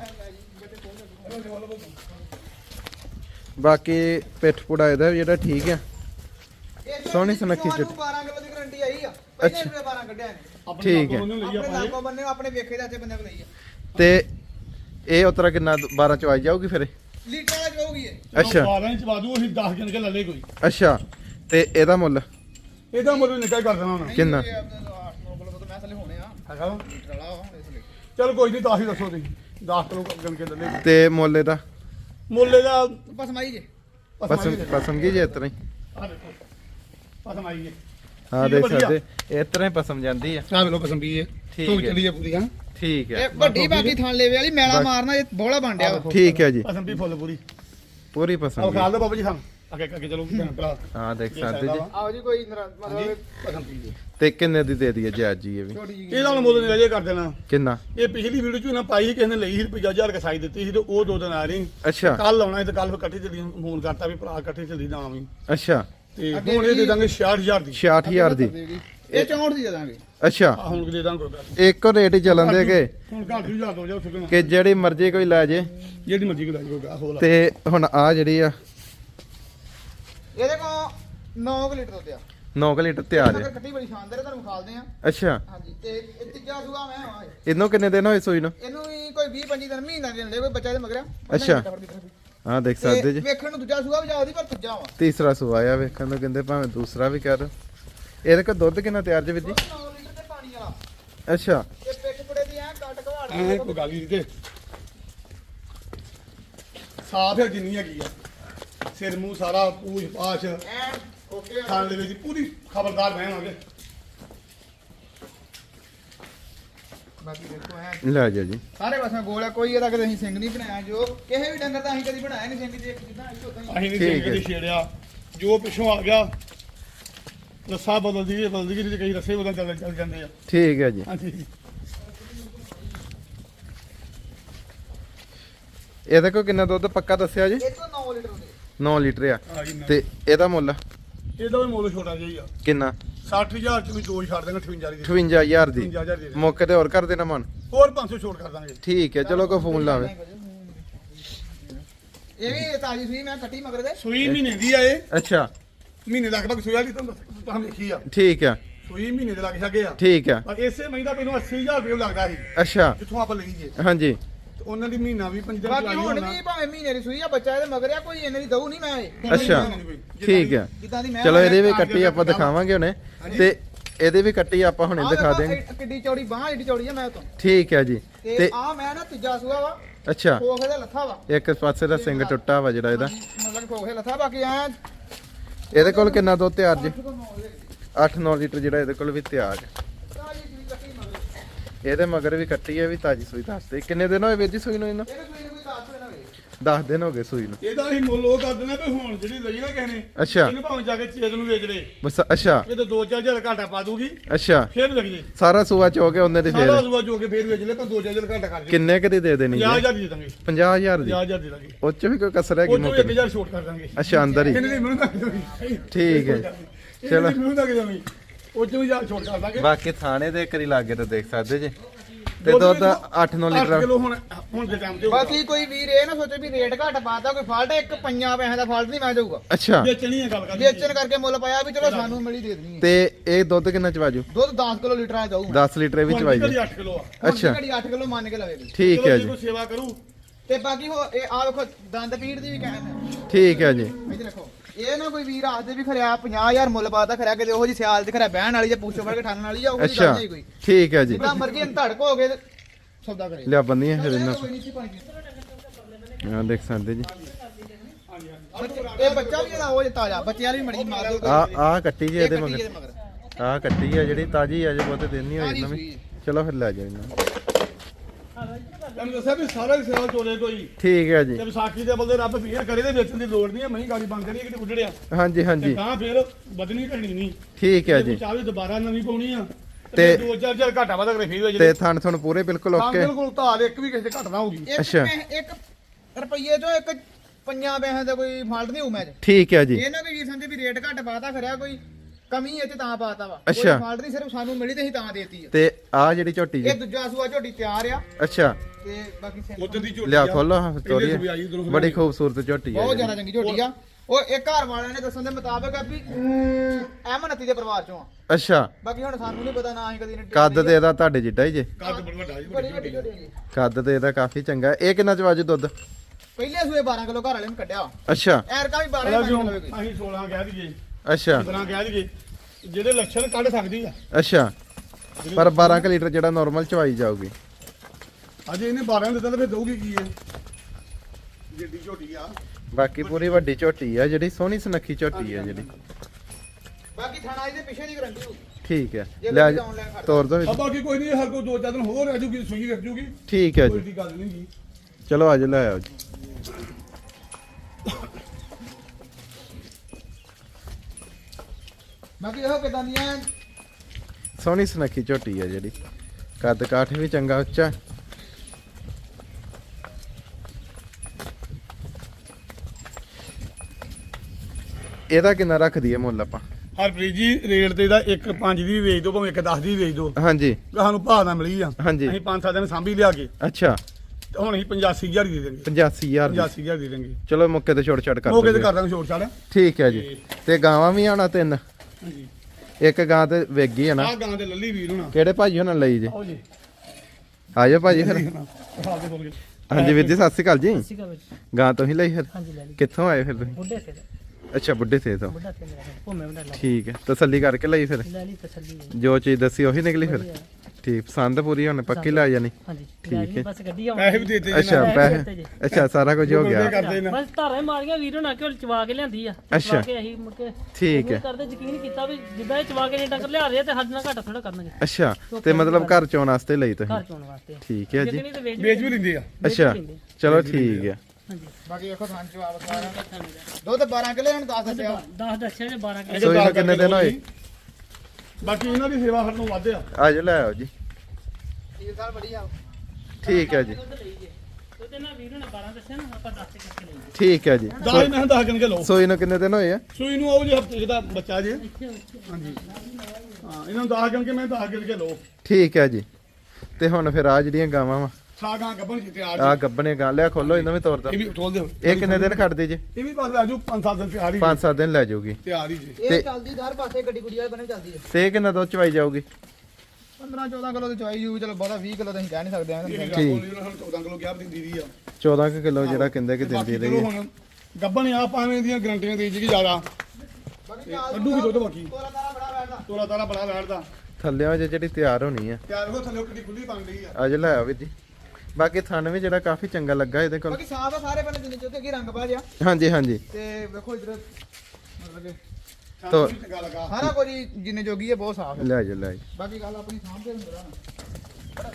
S1: ਬਾਕੀ ਪਿੱਠ ਪੁੜਾ ਇਹਦਾ ਵੀ ਜਿਹੜਾ ਠੀਕ ਹੈ
S3: ਇਹ
S1: ਸੋਹਣੀ ਸੁਨੱਖੀ
S3: ਤੁਹਾਨੂੰ
S1: ਝੋਟੀ।
S3: 12 ਕਿਲੋ ਦੀ ਗਾਰੰਟੀ ਆਈ ਆ ਪਹਿਲੇ
S1: ਅੱਛਾ।
S3: ਵੀ 12 ਕੱਢਿਆ ਨੇ
S1: ਠੀਕ ਹੈ।
S3: ਆਪਣੇ ਲਾਗੋਂ ਬੰਨੇ ਆਪਣੇ ਵੇਖੇ ਦੇ ਇੱਥੇ ਬੰਦੇ ਕੋਲ ਲਈ ਆ
S1: ਤੇ ਇਹ ਉਤਰਾ ਕਿੰਨਾ 12 ਚ ਆਈ ਜਾਊਗੀ ਫਿਰ ਇਹ?
S3: ਲੀਟਰ ਵਾਲਾ ਜਾਊਗੀ ਇਹ
S1: ਅੱਛਾ
S2: 12 ਇੰਚ ਬਾਦੂ ਅਸੀਂ 10 ਗਿਣ ਕੇ ਲੈ ਲੇ ਕੋਈ
S1: ਅੱਛਾ ਤੇ ਇਹਦਾ ਮੁੱਲ
S2: ਇਹਦਾ ਮੁੱਲ ਨਿਕਲ ਕਰ ਦੇਣਾ ਹੁਣ
S1: ਕਿੰਨਾ?
S3: 8-9 ਕਿਲੋ ਤੋਂ ਮੈਂ ਥੱਲੇ ਹੋਣੇ ਆ
S2: ਹੈਗਾ ਵਾ?
S3: ਲੀਟਰ ਵਾਲਾ ਹੁਣ ਇਸ ਲਈ
S2: ਚਲ ਕੋਈ ਨਹੀਂ 10 ਹੀ ਦੱਸੋ ਤੁਸੀਂ 10 ਕਿਲੋ ਗਿਣ ਕੇ ਲੈ ਲੇ
S1: ਤੇ ਮੁੱਲ ਇਹਦਾ
S2: ਮੁੱਲ ਦਾ
S3: ਪਸਮਾਈ ਜੇ
S1: ਪਸੰਦ ਕੀ ਜੇ ਇਤਰਾ ਹੀ
S2: ਆ ਦੇਖੋ ਪਸਮ ਆਈ ਹੈ
S1: ਹਾਂ ਦੇਖ ਸਕਦੇ ਇਸ ਤਰ੍ਹਾਂ ਹੀ ਪਸੰਦ ਜਾਂਦੀ ਆ
S2: ਆ ਵੇਲੋ ਪਸਮ ਵੀ ਹੈ
S1: ਠੀਕ
S2: ਤੂੰ
S1: ਹੈ।
S2: ਚੱਲੀ ਹੈ ਪੂਰੀ ਹਾਂ
S1: ਠੀਕ ਹੈ
S3: ਇਹ ਵੱਡੀ ਬਾਕੀ ਥਾਂ ਲੈਵੇ ਵਾਲੀ ਮੈਲਾ ਮਾਰਨਾ ਇਹ ਬੋਲਾ ਬਣ ਡਿਆ ਵਾ।
S1: ਠੀਕ ਹੈ ਜੀ
S2: ਪਸਮ ਵੀ ਫੁੱਲ ਪੂਰੀ
S1: ਪੂਰੀ
S2: ਆਹ
S1: ਪਸੰਦ
S2: ਖਾ ਲਓ ਬਾਬਾ ਜੀ ਸਾਨੂੰ ਅੱਗੇ ਅੱਗੇ ਚਲੋ ਭੈਣ ਭਰਾ
S1: ਹਾਂ ਦੇਖ ਸਕਦੇ ਜੀ
S3: ਆਓ ਜੀ ਕੋਈ ਮਤਲਬ
S2: ਪਸਮ ਪੀ ਜੀ
S1: ਤੇ ਕਿੰਨੇ ਦੀ ਦੇ ਦਈਏ ਜੀ ਅੱਜ ਜੀ ਇਹ ਵੀ
S3: ਛੋਟੀ ਜੀ
S2: ਇਹਦਾ ਹੁਣ ਮੁੱਲ ਨਿਕਲ ਜੇ ਕਰ ਦੇਣਾ
S1: ਕਿੰਨਾ
S2: ਇਹ ਪਿਛਲੀ ਵੀਡੀਓ ਚ ਵੀ ਨਾ ਪਾਈ ਸੀ, ਕਿਸੇ ਨੇ ਲਈ ਸੀ 50000 ਕੇ ਸਾਈ ਦਿੱਤੀ ਸੀ ਤੇ ਉਹ 2 ਦਿਨ ਆ ਰਹੀ
S1: ਅੱਛਾ
S2: ਕੱਲ ਆਉਣਾ ਸੀ ਤੇ ਕੱਲ ਫਿਰ ਇਕੱਠੀ ਚੱਲੀ ਫੋਨ ਕਰਤਾ ਵੀ ਭਰਾ ਇਕੱਠੀ ਚੱਲੀ ਨਾ ਆਵੀਂ
S1: ਅੱਛਾ
S2: ਤੇ ਹੁਣ ਇਹ ਦੇ ਦਾਂਗੇ 66000 ਦੀ
S1: 66000 ਦੀ
S3: ਇਹ 64 ਦੀ ਦੇ ਦਾਂਗੇ
S1: ਅੱਛਾ
S2: ਆ ਹੁਣ ਦੇ ਦਾਂਗੇ ਕੋਈ ਗੱਲ ਨੀ।
S1: ਇੱਕੋ ਰੇਟ ਹੀ ਚੱਲਣ ਦੇ ਕੇ
S2: ਹੁਣ ਘੱਟ ਵੀ ਜਾ ਦੋ ਜਾ ਉੱਥੇ
S1: ਕਿ ਜਿਹੜੀ ਮਰਜ਼ੀ ਕੋਈ ਲੈ ਜੇ
S2: ਜਿਹੜੀ ਮਰਜ਼ੀ ਕੋਈ ਲੈ ਜਾਓ ਗਾ ਹੋਲਾ
S1: ਤੇ ਹੁਣ ਆ ਜਿਹੜੀ ਆ
S3: ਇਹਦੇ ਕੋਲ 9 ਲੀਟਰ ਦੁੱਧ ਆ
S1: 9 ਲੀਟਰ ਤਿਆਰ
S3: ਮਗਰ
S1: ਹੈ
S3: ਕੱਟੀ ਬੜੀ ਸ਼ਾਨਦਾਰ ਹੈ ਤੁਹਾਨੂੰ ਵਿਖਾਲਦੇ ਆ
S1: ਅੱਛਾ
S3: ਹਾਂਜੀ ਤੇ ਇਹ ਤੀਜਾ ਸੂਆ ਮੈਂ ਹਾਂ ਇਹ।
S1: ਇਹਨੂੰ ਕਿੰਨੇ ਦਿਨ ਹੋਏ ਸੂਈ ਨੂੰ
S3: ਇਹਨੂੰ ਵੀ ਕੋਈ 20-25 ਦਿਨ ਮਹੀਨਾ ਦੇ ਲੈ ਕੋਈ ਬੱਚਾ ਦੇ ਮਗਰਿਆ
S1: ਅੱਛਾ। ਹਾਂ ਦੇਖ ਸਕਦੇ ਜੀ
S3: ਵੇਖਣ ਨੂੰ ਦੂਜਾ ਸੂਆ ਵੀ ਜਾਉਦੀ ਪਰ ਤੀਜਾ ਵਾ
S1: ਤੀਸਰਾ ਸੂਆ ਆ ਵੇਖਣ ਨੂੰ ਕਹਿੰਦੇ ਭਾਵੇਂ ਦੂਸਰਾ ਵੀ ਕਰ ਇਹਦੇ ਕੋਲ ਦੁੱਧ ਕਿੰਨਾ ਤਿਆਰ ਜੀ ਵੀਰ ਜੀ
S3: 9 ਲੀਟਰ ਤੇ ਪਾਣੀ ਵਾਲਾ
S1: ਅੱਛਾ
S3: ਇਹ ਪਿੱਠ ਪੁੜੇ ਦੀ ਐ ਕੱਟ ਘਵਾੜ
S2: ਐ ਕੋਈ ਗੱਲ ਨਹੀਂ ਤੇ ਸਾਫ ਹੈ ਜਿੰਨੀ ਹੈਗੀ ਆ ਸਿਰ ਮੂੰਹ ਸਾਰਾ ਪੂਛ ਪਾਛ
S3: ਐ ਓਕੇ
S2: ਖਾਣ ਦੇ ਵਿੱਚ ਪੂਰੀ ਖਬਰਦਾਰ ਬਹਿਵਾਂਗੇ
S3: ਬਾਕੀ ਦੇਖੋ ਐ
S1: ਲੈ ਜਾ ਜੀ
S3: ਸਾਰੇ ਪਾਸੇ ਗੋਲ ਆ ਕੋਈ ਇਹਦਾ ਕਦੇ ਅਸੀਂ ਸਿੰਘ ਨਹੀਂ ਬਣਾਇਆ ਜੋ ਕਿਸੇ ਵੀ ਡੰਗਰ ਦਾ ਅਸੀਂ ਕਦੀ ਬਣਾਇਆ ਨਹੀਂ ਸਿੰਘ ਦੇਖ ਜਿੱਦਾਂ ਅਸੀਂ ਉਦਾਂ ਹੀ
S2: ਅਸੀਂ ਨਹੀਂ
S1: ਠੀਕ
S2: ਸਿੰਘ ਦੀ
S1: ਹੈ।
S2: ਛੇੜਿਆ ਜੋ ਪਿੱਛੋਂ ਆ ਗਿਆ ਰੱਸਾ ਬਦਲਦੀ ਗਈ ਤੇ ਕਈ ਰੱਸੇ ਬਦਲ ਚੱਲ ਜਾਂਦੇ ਆ
S1: ਠੀਕ ਹੈ ਜੀ
S2: ਹਾਂਜੀ
S1: ਇਹਦੇ ਕੋਲ ਕਿੰਨਾ ਦੁੱਧ ਪੱਕਾ ਦੱਸਿਆ ਜੀ
S3: ਇਹ ਤੋਂ 9 ਲੀਟਰ ਹੁੰਦੇ
S1: 9 ਲੀਟਰ ਆ
S2: ਆ ਗਈ ਨਾ।
S1: ਤੇ ਇਹਦਾ ਮੁੱਲ
S2: ਇਹਦਾ ਵੀ ਮੁੱਲ ਛੋਟਾ ਜਿਹਾ ਹੀ ਆ
S1: ਕਿੰਨਾ
S2: 60000 ਚ ਵੀ ਦੋ ਹੀ ਛੱਡ ਦੇਣਾ 58 ਦੀ
S1: 58000 ਦੀ
S2: 55000 ਦੇ ਦੇ।
S1: ਮੌਕੇ ਤੇ ਹੋਰ ਕਰ ਦੇਣਾ ਮਨ
S2: ਹੋਰ 500 ਛੋਟ ਕਰ ਦਾਂਗੇ
S1: ਠੀਕ ਹੈ ਚਲੋ ਕੋਈ ਫੋਨ ਲਾਵੇ
S3: ਇਹ ਵੀ ਤਾਜੀ ਸੂਈ ਮੈਂ ਕੱਟੀ ਮਗਰ ਦੇ
S2: ਸੂਈ ਮਹੀਨੇ ਦੀ ਆ ਇਹ
S1: ਅੱਛਾ
S2: ਮਹੀਨੇ ਲਗਭਗ ਸੂਈ ਵਾਲੀ ਤੁਹਾਨੂੰ ਦੇਖੀ ਆ
S1: ਠੀਕ ਆ
S2: ਸੂਈ ਮਹੀਨੇ ਦੇ ਲੱਗ ਸਕੇ ਆ
S1: ਠੀਕ ਆ
S2: ਪਰ ਇਸੇ ਮਹੀਨਾ ਮੈਨੂੰ 80000 ਰੁਪਏ ਲੱਗਦਾ ਸੀ
S1: ਅੱਛਾ
S2: ਜਿੱਥੋਂ ਆਪਾਂ ਲਈ ਜੇ
S1: ਹਾਂਜੀ
S2: ਤੇ ਉਹਨਾਂ ਦੀ ਮਹੀਨਾ ਵੀ 5 ਦਿਨ
S3: ਬਾਕੀ
S2: ਚਲਾਈ
S3: ਹੁਣ
S2: ਹੋਣਾ
S3: ਵੀ ਭਾਵੇਂ ਮਹੀਨੇ ਦੀ ਸੂਈ ਆ ਬੱਚਾ ਇਹਦੇ ਮਗਰ ਆ ਕੋਈ ਇਹਨੇ ਦੀ ਦਊ ਨਹੀਂ ਮੈਂ ਇਹ
S1: ਅੱਛਾ ਠੀਕ ਆ
S3: ਜਿੱਦਾਂ ਦੀ ਮੈਂ
S1: ਚਲੋ ਇਹਦੇ ਵੀ ਕੱਟੀ ਆਪਾਂ ਦਿਖਾਵਾਂਗੇ ਹੁਣੇ ਤੇ ਇਹਦੇ ਵੀ ਕੱਟੀ ਆਪਾਂ ਹੁਣੇ
S3: ਆਹ
S1: ਦਿਖਾ
S3: ਦੇਖੋ,
S1: ਦੇਂਗੇ
S3: ਇਹ ਕਿੱਡੀ ਚੌੜੀ ਬਾਹ ਏਡੀ ਚੌੜੀ ਆ ਮੈਂ ਤੋਂ
S1: ਠੀਕ ਹੈ ਜੀ
S3: ਤੇ
S1: ਤੇ
S3: ਆ ਮੈਂ ਨਾ ਤੀਜਾ ਸੂਆ ਵਾ
S1: ਅੱਛਾ
S3: ਖੋਖੇ ਦਾ ਲੱਥਾ ਵਾ
S1: ਇੱਕ ਪਾਸੇ ਦਾ ਸਿੰਗ ਟੁੱਟਾ ਵਾ ਜਿਹੜਾ ਇਹਦਾ
S3: ਮਤਲਬ ਕਿ ਖੋਖੇ ਲੱਥਾ ਬਾਕੀ ਆ
S1: ਇਹਦੇ ਕੋਲ ਕਿੰਨਾ ਦੁੱਧ ਤਿਆਰ ਜੀ 8-9 ਲੀਟਰ ਜਿਹੜਾ ਇਹਦੇ ਕੋਲ ਵੀ ਤਿਆਰ ਹੈ
S3: ਤਾਜੀ ਸੂਈ ਕੱਟੀ ਮਗਰ
S1: ਇਹਦੇ ਮਗਰ ਵੀ ਕੱਟੀ ਹੈ ਵੀ ਤਾਜੀ ਸੂਈ ਦੱਸਦੇ ਕਿੰਨੇ ਦਿਨ ਹੋਏ ਵੀਰ ਜੀ ਸੂਈ ਨੂੰ ਇਹਨੂੰ
S3: ਇਹਦੇ ਸੂਈ ਨੂੰ ਕੋਈ ਦੱਸ ਦੇਣਾ ਵੇ
S1: 10 ਦਿਨ ਹੋ ਗਏ ਸੂਈ ਨੂੰ
S2: ਇਹਦਾ ਅਸੀਂ ਮੁੱਲ ਉਹ ਕਰ ਦਿੰਦੇ ਵੀ ਹੁਣ ਜਿਹੜੀ ਲਈ ਨਾ ਕਿਸੇ ਨੇ
S1: ਅੱਛਾ
S2: ਇਹਨੂੰ ਭਾਵੇਂ ਜਾ ਕੇ ਚੇਤ ਨੂੰ ਵੇਚ ਦੇ
S1: ਬਸ ਅੱਛਾ
S2: ਇਹ ਤਾਂ 2-4000 ਘਾਟਾ ਪਾ ਦੂਗੀ
S1: ਅੱਛਾ
S2: ਫੇਰ ਲੱਗ ਜੇ
S1: ਸਾਰਾ ਸੂਆ ਚੋ ਕੇ ਉਹਨੇ ਦੀ
S2: ਸਾਰਾ
S1: ਫੇਰ
S2: ਸੂਆ ਜੋ ਕੇ ਫੇਰ ਵੇਚ ਲੈ ਤਾਂ 2000 ਘਾਟਾ ਕਰ ਦੇ
S1: ਕਿੰਨੇ ਕਦੀ ਦੇ ਦੇਣੀ ਜੀ
S2: 50000 ਦੇ ਦਾਂਗੇ
S1: 50000 ਦੀ
S2: 50000 ਦੇ ਦਾਂਗੇ
S1: ਉਹ ਚ ਵੀ ਕੋਈ ਕਸਰ ਹੈਗੀ
S2: ਉਹ ਤੋਂ
S1: ਮੁੱਕ
S2: 1000 ਛੋਟ ਕਰ ਦਾਂਗੇ
S1: ਅੱਛਾ ਅੰਦਰ ਹੀ
S2: ਕਿੰਨੇ ਦੀ ਮੈਨੂੰ ਲੱਗ ਜਾਵੇ
S1: ਠੀਕ ਹੈ
S2: ਚਲੋ ਮੈਨੂੰ ਲੱਗ ਜਾਵੇ ਉਹ ਤੋਂ 1000 ਛੋਟ ਕਰ ਦਾਂਗੇ
S1: ਬਾਕੀ ਥਾਣੇ ਦੇ ਕਰੀ ਲਾਗੇ ਤਾਂ ਦੇਖ ਸਕਦੇ ਜੀ ਤੇ ਦੁੱਧ 8-9
S2: 8
S1: ਲੀਟਰ
S2: ਕਿਲੋ ਹੁਣ ਦੇ ਟਾਈਮ ਤੇ
S3: ਬਾਕੀ ਕੋਈ ਵੀਰ ਇਹ ਨਾ ਸੋਚੇ ਵੀ ਰੇਟ ਘੱਟ ਪਾਤਾ ਕੋਈ ਫਾਲਟ ਇੱਕ ਪੰਜਾਂ ਪੈਸਿਆਂ ਦਾ ਫਾਲਟ ਨਹੀਂ ਮੈਂ ਜਾਊਗਾ
S1: ਅੱਛਾ
S2: ਵੇਚਣੀ ਹੈ ਗੱਲ ਕਰ
S3: ਵੇਚਣ ਕਰਕੇ ਮੁੱਲ ਪਾਇਆ ਵੀ ਚਲੋ ਸਾਨੂੰ ਮਿਲੀ ਦੇ ਦੇਣੀ ਹੈ
S1: ਤੇ ਇਹ ਦੁੱਧ ਕਿੰਨਾ ਚਵਾਜੂ
S3: ਦੁੱਧ 10 ਕਿਲੋ ਲੀਟਰ ਆ ਜਾਊਗਾ
S1: 10 ਲੀਟਰ ਇਹ ਵੀ ਚਵਾਈ ਜੀ
S2: 8 ਕਿਲੋ ਆ
S1: ਅੱਛਾ।
S3: ਘੜੀ 8 ਕਿਲੋ ਮੰਨ ਕੇ ਲਵੇਗੀ
S1: ਠੀਕ
S2: ਚਲੋ
S1: ਹੈ
S2: ਜੇ
S1: ਜੀ
S2: ਕੋਈ ਸੇਵਾ ਕਰੂ
S3: ਤੇ ਬਾਕੀ ਹੋ ਇਹ ਆ ਵੇਖੋ ਦੰਦ ਪੀੜ ਦੀ ਵੀ ਕਹਿੰਦੇ
S1: ਠੀਕ ਹੈ ਜੀ
S3: ਇੱਧਰ ਦੇਖੋ ਇਹ ਨਾ ਕੋਈ ਵੀਰ ਆਖਦੇ ਵੀ ਖਰਿਆ 50000 ਮੁੱਲ ਪਾਤਾ ਖਰਿਆ ਕਿਤੇ ਉਹੋ ਜੀ ਸਿਆਲ ਤੇ ਖਰਿਆ ਬਹਿਣ ਵਾਲੀ ਜਾਂ ਪੂਛੋ ਫੜ ਕੇ ਠਾਣ ਵਾਲੀ ਜਾਂ ਉਹ ਜੀ ਗੱਲ
S1: ਅੱਛਾ
S3: ਨਹੀਂ ਕੋਈ
S1: ਠੀਕ ਹੈ ਜੀ
S3: ਜਿੱਦਾਂ ਮਰਜ਼ੀ ਧੜਕ ਹੋ ਗਏ ਤੇ ਸੌਦਾ ਕਰੇ
S1: ਲਿਆ ਬੰਦੀਆਂ ਫਿਰ ਇਹਨਾਂ
S3: ਕੋਈ ਨਹੀਂ ਸੀ ਪਾਣੀ
S1: ਹਾਂ ਦੇਖ ਸਕਦੇ ਜੀ
S3: ਇਹ ਬੱਚਾ ਵੀ ਇਹਦਾ ਉਹ ਜੇ ਤਾਜ਼ਾ ਬੱਚੇ ਵਾਲੀ ਮੜੀ ਮਾਰ ਦੋ
S1: ਆ ਕੱਟੀ ਜੀ ਇਹਦੇ
S3: ਇਹ ਕੱਟੀ
S1: ਮਗਰ
S3: ਮਗਰ
S1: ਆ ਕੱਟੀ ਆ ਜਿਹੜੀ ਤਾਜੀ ਆ ਜੇ ਬਹੁਤੇ ਦਿਨ ਨਹੀਂ ਹੋਏ
S3: ਤਾਜ਼ੀ
S1: ਇਹਨਾਂ
S3: ਸੂਈ
S1: ਵੀ ਚਲੋ ਫਿਰ ਲੈ ਜਾਓ ਇਹਨਾਂ ਨੂੰ।
S2: ਤੈਨੂੰ ਦੱਸਿਆ ਵੀ ਸਾਰਾ ਹੀ ਸਿਆਲ ਚੋਲੇ ਕੋਈ
S1: ਠੀਕ ਹੈ ਜੀ
S2: ਤੇ ਵਿਸਾਖੀ ਦੇ ਬਲਦੇ ਰੱਬ ਫੇਰ ਕਰੇ ਤੇ ਵੇਚਣ ਦੀ ਲੋੜ ਨਹੀਂ ਹੈ ਮਹੀਂ ਗਾੜੀ ਬਣ ਜਾਣੀ ਕਿਤੇ ਉੱਡੜਿਆ
S1: ਹਾਂਜੀ
S2: ਤੇ
S1: ਹਾਂਜੀ
S2: ਗਾਂ ਫੇਰ ਵਧਣੀ ਘਟਣੀ ਨਹੀਂ
S1: ਠੀਕ ਹੈ ਜੀ
S2: ਚਾਹੇ ਦੁਬਾਰਾ ਨਵੀਂ ਪਾਉਣੀ ਆ
S1: ਤੇ
S2: ਦੋ ਚਾਰ ਚਾਰ ਘਾਟਾ ਵਾਧਾ ਕਰੇ ਫੇਰ ਹੋ
S1: ਤੇ
S2: ਜੇ
S1: ਥਣ ਤੁਹਾਨੂੰ ਪੂਰੇ ਬਿਲਕੁਲ ਓਕੇ
S2: ਬਿਲਕੁਲ ਧਾਰ ਇੱਕ ਵੀ ਕਿਸੇ ਦੇ ਘਟ ਨਾ ਹੋਊਗੀ
S1: ਅੱਛਾ।
S3: ਇੱਕ ਰੁਪਈਏ ਚੋਂ ਇੱਕ ਪੰਜਾਂ ਪੈਸਿਆਂ ਦਾ ਕੋਈ ਫਾਲਟ ਨਹੀਂ ਹੋਊ ਮੈਚ
S1: ਠੀਕ ਹੈ ਜੀ
S3: ਇਹ ਨਾ ਕੋਈ ਸਮਝੇ ਵੀ ਰੇਟ ਘੱਟ ਪਾਤਾ ਖਰਿਆ ਕੋਈ ਕਮੀ ਇੱਥੇ ਤਾਂ ਪਾਤਾ ਵਾ
S1: ਅੱਛਾ।
S3: ਕੋਈ ਫਾਲਟ ਨਹੀਂ ਸਿਰਫ ਸਾਨੂੰ ਮਿਲੀ ਤੇ ਅਸੀਂ ਤਾਂ ਦੇਤੀ ਆ
S1: ਤੇ ਆ ਜਿਹੜੀ ਝੋਟੀ
S3: ਇਹ
S1: ਜੀ
S3: ਦੂਜਾ ਸੂਆ ਝੋਟੀ ਤਿਆਰ ਆ
S1: ਅੱਛਾ
S3: ਤੇ ਬਾਕੀ
S2: ਉਧਰ ਦੀ ਝੋਟੀ
S1: ਲਿਆ
S2: ਆ।
S1: ਖੋਲੋ
S2: ਪਹਿਲੇ ਸੂਬੇ ਆਈ
S1: ਤੋਰੀ
S2: ਉੱਧਰੋਂ
S1: ਬੜੀ ਖੂਬਸੂਰਤ ਝੋਟੀ ਹੈ
S3: ਬਹੁਤ
S1: ਜੀ।
S3: ਜ਼ਿਆਦਾ ਚੰਗੀ ਝੋਟੀ ਆ ਉਹ ਇੱਕ ਘਰ ਵਾਲਿਆਂ ਨੇ ਦੱਸਣ ਦੇ ਮੁਤਾਬਕ ਆ ਵੀ ਅਹਿਮਨਤੀ ਦੇ ਪਰਿਵਾਰ ਚੋਂ ਆ
S1: ਅੱਛਾ
S3: ਬਾਕੀ ਹੁਣ ਸਾਨੂੰ ਨਹੀਂ ਪਤਾ ਨਾ ਅਸੀਂ ਕਦੀ
S1: ਕੱਦ ਤੇ ਇਹਦਾ ਤੁਹਾਡੇ ਜਿੱਡਾ ਹੀ ਜੇ
S2: ਕੱਦ ਬੜਾ ਵੱਡਾ ਜੀ
S3: ਬੜੀ ਵੱਡੀ ਝੋਟੀ ਆ ਜੀ
S1: ਕੱਦ ਤੇ ਇਹਦਾ ਕਾਫੀ ਚੰਗਾ ਇਹ ਕਿੰਨਾ ਚ ਵਾਜੂ ਦੁੱਧ
S3: ਪਹਿਲੇ ਸੂਏ 12 ਕਿਲੋ ਘਰ ਵਾਲੇ ਨੂੰ ਕੱਢਿਆ
S1: ਅੱਛਾ
S3: ਐਰਕਾ ਵੀ 12
S2: ਪਹਿਲਾਂ
S3: ਕਿਲੋ
S2: ਕਿਉਂ
S3: ਹੋਵੇਗੀ
S2: ਅਸੀਂ 16 ਕਹਿ ਦਈਏ
S1: ਅੱਛਾ
S2: 15 ਕਹਿ ਦਈਏ ਜਿਹੜੇ ਲੱਛਣ ਕੱਢ ਸਕਦੀ ਆ
S1: ਅੱਛਾ ਪਰ 12 ਕੁ ਲੀਟਰ ਜਿਹੜਾ ਨਾਰਮਲ ਚਵਾਈ ਜਾਊਗੀ
S2: ਅੱਜ ਇਹਨੇ 12 ਦਿੱਤਾ ਤਾਂ ਫਿਰ ਦਊਗੀ ਕੀ ਇਹ ਜਿੱਡੀ ਝੋਟੀ ਆ
S1: ਬਾਕੀ ਪੂਰੀ ਵੱਡੀ ਝੋਟੀ ਆ ਜਿਹੜੀ ਸੋਹਣੀ ਸੁਨੱਖੀ ਝੋਟੀ ਆ ਜਿਹੜੀ
S3: ਬਾਕੀ ਥਾਣਾ ਇਹਦੇ ਪਿੱਛੇ ਦੀ ਗਰੰਟੀ ਹੋਊ
S1: ਠੀਕ ਹੈ
S3: ਜੇ
S1: ਲੈ
S3: ਕੋਈ online ਖੜਦਾ।
S1: ਤੋਰ ਦੋ
S2: ਆ ਬਾਕੀ ਕੋਈ ਨਹੀਂ ਹਰ ਕੋਈ ਦੋ ਚਾਰ ਦਿਨ ਹੋਰ ਰਹਿ ਜੂਗੀ ਸੂਈ ਰੱਖ ਜੂਗੀ
S1: ਠੀਕ ਹੈ
S2: ਕੋਈ
S1: ਜੀ
S2: ਦੀ ਗੱਲ ਨਹੀਂ ਜੀ
S1: ਚਲੋ ਅੱਜ ਲੈ ਆਓ ਜੀ
S3: ਬਾਕੀ ਇਹੋ ਕਿਦਾਂ ਦੀਆਂ
S1: ਸੋਹਣੀ ਸੁਨੱਖੀ ਝੋਟੀ ਆ ਜਿਹੜੀ ਕੱਦ ਕਾਠ ਵੀ ਚੰਗਾ ਉੱਚਾ ਇਹਦਾ ਕਿੰਨਾ ਰੱਖਦੀ ਹੈ ਮੁੱਲ ਆਪਾਂ
S2: ਹਰਪ੍ਰੀਤ ਜੀ ਰੇਟ ਤੇ ਇਹਦਾ 1.5 ਦੀ ਵੀ ਵੇਚ ਦੋ ਭਾਵੇਂ 1.10 ਦੀ ਵੀ ਵੇਚ ਦੋ
S1: ਹਾਂਜੀ
S2: ਸਾਨੂੰ ਭਾਅ ਨਾ ਮਿਲੀ ਆ
S1: ਹਾਂਜੀ
S2: ਅਸੀਂ 5-7 ਦਿਨ ਸਾਂਭੀ ਲਿਆ ਕੇ
S1: ਅੱਛਾ
S2: ਤੇ ਹੁਣ ਅਸੀਂ 85,000 ਦੀ ਦੇ ਦੇਣਗੇ
S1: 85000 ਦੀ
S2: 85,000 ਦੇ ਦੇਣਗੇ
S1: ਚਲੋ ਮੁੱਕੇ ਤੇ ਛੋੜ ਛੜ ਕਰ
S2: ਮੌਕੇ ਤੇ
S1: ਦਿੰਦੇ
S2: ਕਰ ਦਾਂਗੇ ਛੋਟ ਛਾੜ
S1: ਠੀਕ ਹੈ ਜੀ ਤੇ ਗਾਵਾਂ ਵੀ ਆਣਾ ਤਿੰਨ
S2: ਹਾਂਜੀ
S1: ਇੱਕ ਗਾਂ ਤੇ ਵਿਕ ਗਈ ਹੈ ਨਾ
S2: ਆਹ ਗਾਂ ਦੇ ਲੱਲੀ ਵੀਰ ਹੋਣਾ
S1: ਕਿਹੜੇ ਭਾਜੀ ਉਹਨਾਂ ਲਈ ਜੇ
S2: ਆਓ ਜੀ
S1: ਆਜੋ ਭਾਜੀ ਫਿਰ
S2: ਖਾ ਕੇ ਬੋਲ
S1: ਹਾਂਜੀ ਵੀਰ ਜੀ ਸਤਿ ਸ਼੍ਰੀ ਅਕਾਲ ਜੀ
S4: ਸੀਗਾ ਵਿੱਚ
S1: ਗਾਂ ਤੋਂ ਹੀ ਲਈ ਫਿਰ
S4: ਹਾਂਜੀ ਲੈ ਲਈ
S1: ਕਿੱਥੋਂ ਆਏ ਫਿਰ ਤੁਸੀਂ
S4: ਬੁੱਢੇ ਤੇ
S1: ਅੱਛਾ ਬੁੱਢੇ ਸੇ ਤੋਂ
S4: ਬੁੱਢਾ ਤੇ ਮੇਰਾ ਭੋਮੇ ਬਣਾ ਲਾ
S1: ਠੀਕ ਹੈ ਤਸੱਲੀ ਕਰਕੇ ਲਈ ਫਿਰ
S4: ਲੈ ਲਈ ਤਸੱਲੀ ਹੋਈ।
S1: ਜੋ ਚੀਜ਼ ਦੱਸੀ ਉਹੀ ਨਿਕਲੀ ਫਿਰ
S4: ਵਧੀਆ।
S1: ਠੀਕ ਪਸੰਦ ਪੂਰੀ ਹੁਣ ਪੱਕੀ ਲੈ ਜਾਣੀ
S4: ਹਾਂਜੀ
S1: ਠੀਕ
S4: ਲੈ
S1: ਹੈ।
S4: ਲਈ ਬਸ ਗੱਡੀ ਆਉਣੀ
S2: ਪੈਸੇ ਵੀ ਦੇ ਦਿੱਤੇ
S1: ਅੱਛਾ ਪੈਸੇ ਅੱਛਾ ਸਾਰਾ ਕੁਝ ਹੋ ਗਿਆ
S2: ਕਰਦੇ ਨੇ
S4: ਬਸ ਧਾਰੇ ਮਾਰੀਆਂ ਵੀਰ ਹੋਣਾ ਕਿ ਚਵਾ ਕੇ ਲਿਆਂਦੀ ਆ
S1: ਅੱਛਾ।
S4: ਚਵਾ ਕੇ ਅਸੀਂ ਮੁੜ ਕੇ
S1: ਠੀਕ ਹੈ
S4: ਉਹ ਕਰਦੇ ਯਕੀਨ ਕੀਤਾ ਵੀ ਜਿੱਦਾਂ ਇਹ ਚਵਾ ਕੇ ਨੇ ਡੰਗਰ ਲਿਆ ਰਹੇ ਆ ਤੇ ਸਾਡੇ ਨਾਲ ਘਾਟਾ ਥੋੜਾ ਕਰਨਗੇ
S1: ਅੱਛਾ ਤੇ ਮਤਲਬ ਘਰ ਚੋਣ ਵਾਸਤੇ ਲਈ ਤੁਸੀਂ
S4: ਘਰ ਚੋਣ ਵਾਸਤੇ
S1: ਠੀਕ ਹੈ ਜੀ
S4: ਜਿਕਣੀ ਤੇ ਵੇਚ
S2: ਵੇਚ ਵੀ ਲੈਂਦੇ ਆ
S1: ਅੱਛਾ ਚਲੋ ਠੀਕ ਹੈ
S4: ਹਾਂਜੀ
S3: ਬਾਕੀ ਵੇਖੋ ਥਾਂ ਚ ਆਪ ਸਾਰਾ ਦੁੱਧ 12 ਕਿਲੋ ਹੁਣ 10 ਦੱਸਿਆ
S4: 10 ਦੱਸਿਆ ਜੇ 12 ਕਿਲੋ
S1: ਸੋਈ ਨੂੰ ਕਿੰਨੇ ਦਿਨ ਹੋਏ
S2: ਬਾਕੀ ਇਹਨਾਂ ਦੀ ਸੇਵਾ ਸਾਨੂੰ ਵੱਧ ਆ
S1: ਆਜੋ ਲੈ ਆਓ ਜੀ
S3: ਇਹ ਸਾਲ ਬੜੀ ਆ
S1: ਠੀਕ ਹੈ ਜੀ
S4: ਉਹਦੇ ਨਾਲ ਵੀਰ ਹੋਣਾ 12 ਦੱਸਿਆ ਨਾ ਆਪਾਂ 10 ਤੇ ਕਰਕੇ ਲਈ
S1: ਠੀਕ ਹੈ ਜੀ
S2: 10 ਮੈਂ 10 ਗਿਣ ਕੇ ਲਓ
S1: ਸੋਈ ਨੂੰ ਕਿੰਨੇ ਦਿਨ ਹੋਏ ਆ
S2: ਸੂਈ ਨੂੰ ਆਓ ਜੀ ਹਫਤੇ ਦਾ ਬੱਚਾ ਜੇ ਹਾਂਜੀ ਹਾਂ ਇਹਨਾਂ ਨੂੰ 10 ਗਿਣ ਕੇ ਮੈਂ 10 ਗਿਣ ਕੇ ਲਓ
S1: ਠੀਕ ਹੈ ਜੀ ਤੇ ਹੁਣ ਫਿਰ ਆ ਜਿਹੜੀਆਂ ਗਾਵਾਂ ਵਾ
S2: ਸਾਗਾਂ ਗੱਬਣ ਜਿੱਤੇ ਆ
S1: ਆ ਗੱਬਣੇ ਗਾਂ ਲਿਆ ਖੋਲੋ ਇਹਨਾਂ ਵੀ ਤੋਰ ਦੋ
S2: ਇਹ ਵੀ ਤੋਲ ਦਿਓ
S1: ਇਹ ਕਿੰਨੇ ਦਿਨ ਖੜਦੇ ਜੇ
S2: ਇਹ ਵੀ ਬਸ ਆਜੂ 5-7 ਦਿਨ ਤਿਆਰ ਹੀ
S1: 5-7 ਦਿਨ ਲੈ ਜਾਊਗੀ
S2: ਤਿਆਰ ਹੀ ਜੀ
S3: ਇਹ ਚੱਲਦੀ ਦਰ ਪਾਸੇ ਗੱਡੀ ਗੁੜੀ ਵਾਲੇ ਬਣੇ ਚੱਲਦੀ ਹੈ
S1: ਤੇ ਇਹ ਕਿੰਨਾ ਦੁੱਧ ਚਵਾਈ ਜਾਊਗੀ
S3: 15-14 ਕਿਲੋ ਦੀ ਚਵਾਈ ਜੂ ਚਲੋ ਬਹੁਤਾ 20 ਕਿਲੋ ਤਾਂ ਅਸੀਂ ਕਹਿ ਨਹੀਂ ਸਕਦੇ
S2: ਇਹ
S3: ਹਾਂ
S2: ਗੱਲ ਬੋਲੀ ਉਹਨਾਂ 14 ਕਿਲੋ ਕਿਹਾ ਦਿੰਦੀ ਦੀ ਆ
S1: 14 ਕਿਲੋ ਜਿਹੜਾ ਕਹਿੰਦੇ ਕਿ ਦਿੰਦੀ
S2: ਬਾਕੀ
S1: ਰਹੀ
S2: ਚਲੋ ਹੁਣ ਗੱਬਣ ਆ ਪਾਵੇਂ ਦੀਆਂ ਗਰੰਟੀਆਂ ਦੇ ਜੀ ਜ਼ਿਆਦਾ
S3: ਬਾਕੀ
S2: ਕੱਢੂ ਵੀ ਦੁੱਧ ਬਾਕੀ
S3: ਤੋਰਾ ਤਾਰਾ ਬੜਾ ਬੈਠਦਾ
S2: ਤੋਲਾ ਤਾਰਾ ਬੜਾ ਬੈਠਦਾ
S1: ਥੱਲਿਓ ਜੇ ਜਿਹੜੀ ਤਿਆਰ ਹੋਣੀ ਆ
S2: ਤਿਆਰ ਹੋ ਥੱਲੇ ਕਿੱਡੀ ਖੁੱਲੀ ਬਣ ਰਹੀ ਆ
S1: ਅੱਜ ਲੈ ਆਓ ਵੀਰ ਜੀ ਬਾਕੀ ਥਣ ਵੀ ਜਿਹੜਾ ਕਾਫੀ ਚੰਗਾ ਲੱਗਾ ਇਹਦੇ ਕੋਲ
S3: ਬਾਕੀ ਸਾਫ ਆ ਸਾਰੇ ਬੰਦੇ ਜਿੰਨੇ ਚੋਤੇ ਕੀ ਰੰਗ ਪਾ ਜਿਆ
S1: ਹਾਂਜੀ ਹਾਂਜੀ
S3: ਤੇ ਵੇਖੋ ਇਧਰ ਮਤਲਬ ਕਿ
S1: ਤੋ-
S2: ਸਾਨੂੰ ਵੀ ਚੰਗਾ ਲੱਗਾ
S3: ਸਾਰਾ ਕੁਝ ਹੀ ਜਿੰਨੇ ਜੋਗੀ ਹੈ ਬਹੁਤ ਸਾਫ ਹੈ
S1: ਲੈ ਜਾ ਲੈ ਜਾ
S3: ਬਾਕੀ ਗੱਲ ਆਪਣੀ ਸਾਹਮਣੇ ਹੁੰਦਾ ਨਾ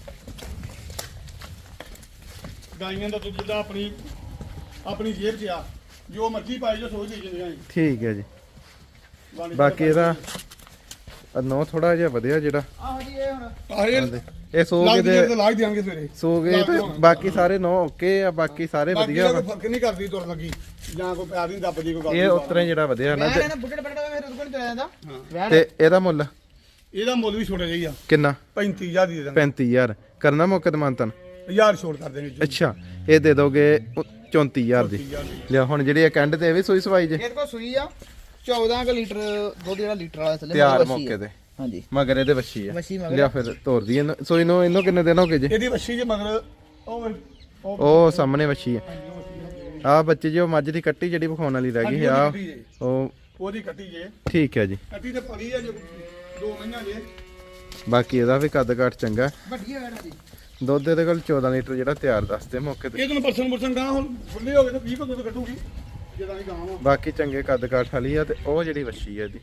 S2: ਗਾਈਆਂ ਦਾ ਦੁੱਧ ਜਿਹੜਾ ਆਪਣੀ ਜੇਬ 'ਚ ਆ ਜੋ ਮਰਜ਼ੀ ਪਾਈ ਜੋ ਸੋਚ ਦੇ ਜਾਂਦੀਆਂ
S1: ਠੀਕ ਹੈ ਜੀ ਬਾਕੀ ਇਹਦਾ ਨੋ ਥੋੜਾ ਜਿਹਾ ਵਧਿਆ ਜਿਹੜਾ
S3: ਆਹੋ ਜੀ ਇਹ ਹੁਣ
S2: ਆਹੇ
S1: ਇਹ ਸੋ
S2: ਲਾਗ
S1: ਕੇ
S2: ਦੇ ਲਾਗ ਦਿਆਂਗੇ ਸਵੇਰੇ
S1: ਸੋ ਗਏ ਤੇ ਬਾਕੀ ਸਾਰੇ ਨੋ ਓਕੇ ਆ ਬਾਕੀ ਸਾਰੇ
S2: ਬਾਕੀ
S1: ਵਧੀਆ
S2: ਕੋਈ
S1: ਵਾ
S2: ਫਰਕ ਨਹੀਂ ਕਰਦੀ ਤੁਰ ਲੱਗੀ ਜਾਂ ਕੋਈ ਪਿਆਰ ਨਹੀਂ ਦੱਬਦੀ ਕੋਈ ਗੱਲ
S1: ਇਹ
S2: ਨਹੀਂ
S1: ਉਤਰੇ ਜਿਹੜਾ ਵਧਿਆ ਨਾ
S3: ਮੈਂ ਨਾ ਬੁੱਢੇ ਬੜੇ ਫਿਰ ਉਹਦੇ ਕੋਲ ਚਲਾ ਜਾਂਦਾ ਵੈਣ
S1: ਤੇ ਇਹਦਾ ਮੁੱਲ
S2: ਇਹਦਾ ਮੁੱਲ ਵੀ ਛੋਟਾ ਜਿਹਾ
S1: ਕਿੰਨਾ
S2: 35000 ਦੀ ਦੇ ਦਾਂਗੇ
S1: 35000 ਕਰਨਾ ਮੌਕੇ ਤੇ ਮੰਤਨ
S2: 1000 ਛੋੜ ਕਰ ਦੇਣਗੇ
S1: ਅੱਛਾ ਇਹ ਦੇ ਦੋਗੇ 34000 ਦੀ ਲਿਆ ਹੁਣ ਜਿਹੜੀ ਇਹ ਕੰਡ ਤੇ ਇਹ ਵੀ ਸੂਈ ਸਵਾਈ ਜੇ
S3: ਇਹਦੇ ਕੋਲ ਸੂਈ ਆ 14 ਕੁ ਲੀਟਰ ਦੁੱਧ ਜਿਹੜਾ ਲੀਟਰ ਵਾਲਾ ਥੱਲੇ
S1: ਤਿਆਰ
S3: ਮੱਛੀ
S1: ਮੌਕੇ
S3: ਆ।
S1: ਤੇ
S3: ਹਾਂਜੀ
S1: ਮਗਰ ਇਹਦੇ ਵੱਛੀ ਆ
S3: ਵੱਛੀ ਮਗਰ।
S1: ਲਿਆ ਫਿਰ ਤੋਰਦੀ ਇਹਨੂੰ ਸੂਈ ਨੂੰ ਇਹਨੂੰ ਕਿੰਨੇ ਦਿਨ ਹੋ ਗਏ ਜੇ
S2: ਇਹਦੀ ਵੱਛੀ ਜੇ ਮਗਰ ਉਹ
S1: ਉਹ ਸਾਹਮਣੇ ਵੱਛੀ ਆ ਆ ਬੱਚੇ ਜੀ ਉਹ ਮੱਝ ਦੀ ਕੱਟੀ ਜਿਹੜੀ ਵਿਖਾਉਣ ਵਾਲੀ ਰਹਿ ਗਈ ਆ ਉਹ
S2: ਉਹਦੀ ਕੱਟੀ ਜੇ
S1: ਠੀਕ ਹੈ ਜੀ
S2: ਕੱਟੀ ਤੇ ਪੜੀ ਆ ਜੋ 2 ਮਹੀਨਾ ਜੇ
S1: ਬਾਕੀ ਇਹਦਾ ਵੀ ਕੱਦ ਕਾਠ ਚੰਗਾ
S3: ਵੱਡੀ ਹੈ ਵੈਣ ਦੀ
S1: ਦੁੱਧ ਇਹਦੇ ਕੋਲ 14 ਲੀਟਰ ਜਿਹੜਾ ਤਿਆਰ ਦੱਸਦੇ ਮੌਕੇ ਤੇ
S2: ਇਹ ਤੁਹਾਨੂੰ ਪਰਸਨ ਗਾਂ ਹੁਣ ਖੁੱਲੇ ਹੋ ਗਏ ਤਾਂ 20 ਕੋ ਦੁੱਧ ਕੱਢੂਗੀ ਜਦੋਂ ਹੀ ਗਾਂ ਵਾ
S1: ਬਾਕੀ ਚੰਗੇ ਕੱਦ ਕਾਠ ਵਾਲੀ ਆ ਤੇ ਉਹ ਜਿਹੜੀ ਵੱਛੀ ਆ ਇਹਦੀ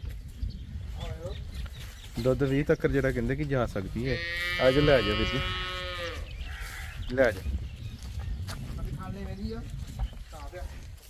S1: ਦੁੱਧ 20 ਤੱਕ ਜਿਹੜਾ ਕਹਿੰਦੇ ਕਿ ਜਾ ਸਕਦੀ ਹੈ ਅੱਜ ਲੈ ਜਾ ਵੀਰ ਜੀ ਲੈ ਜਾ
S3: ਖਾਣੇ ਵੇਦੀ ਆ ਤਾਂ ਪਿਆ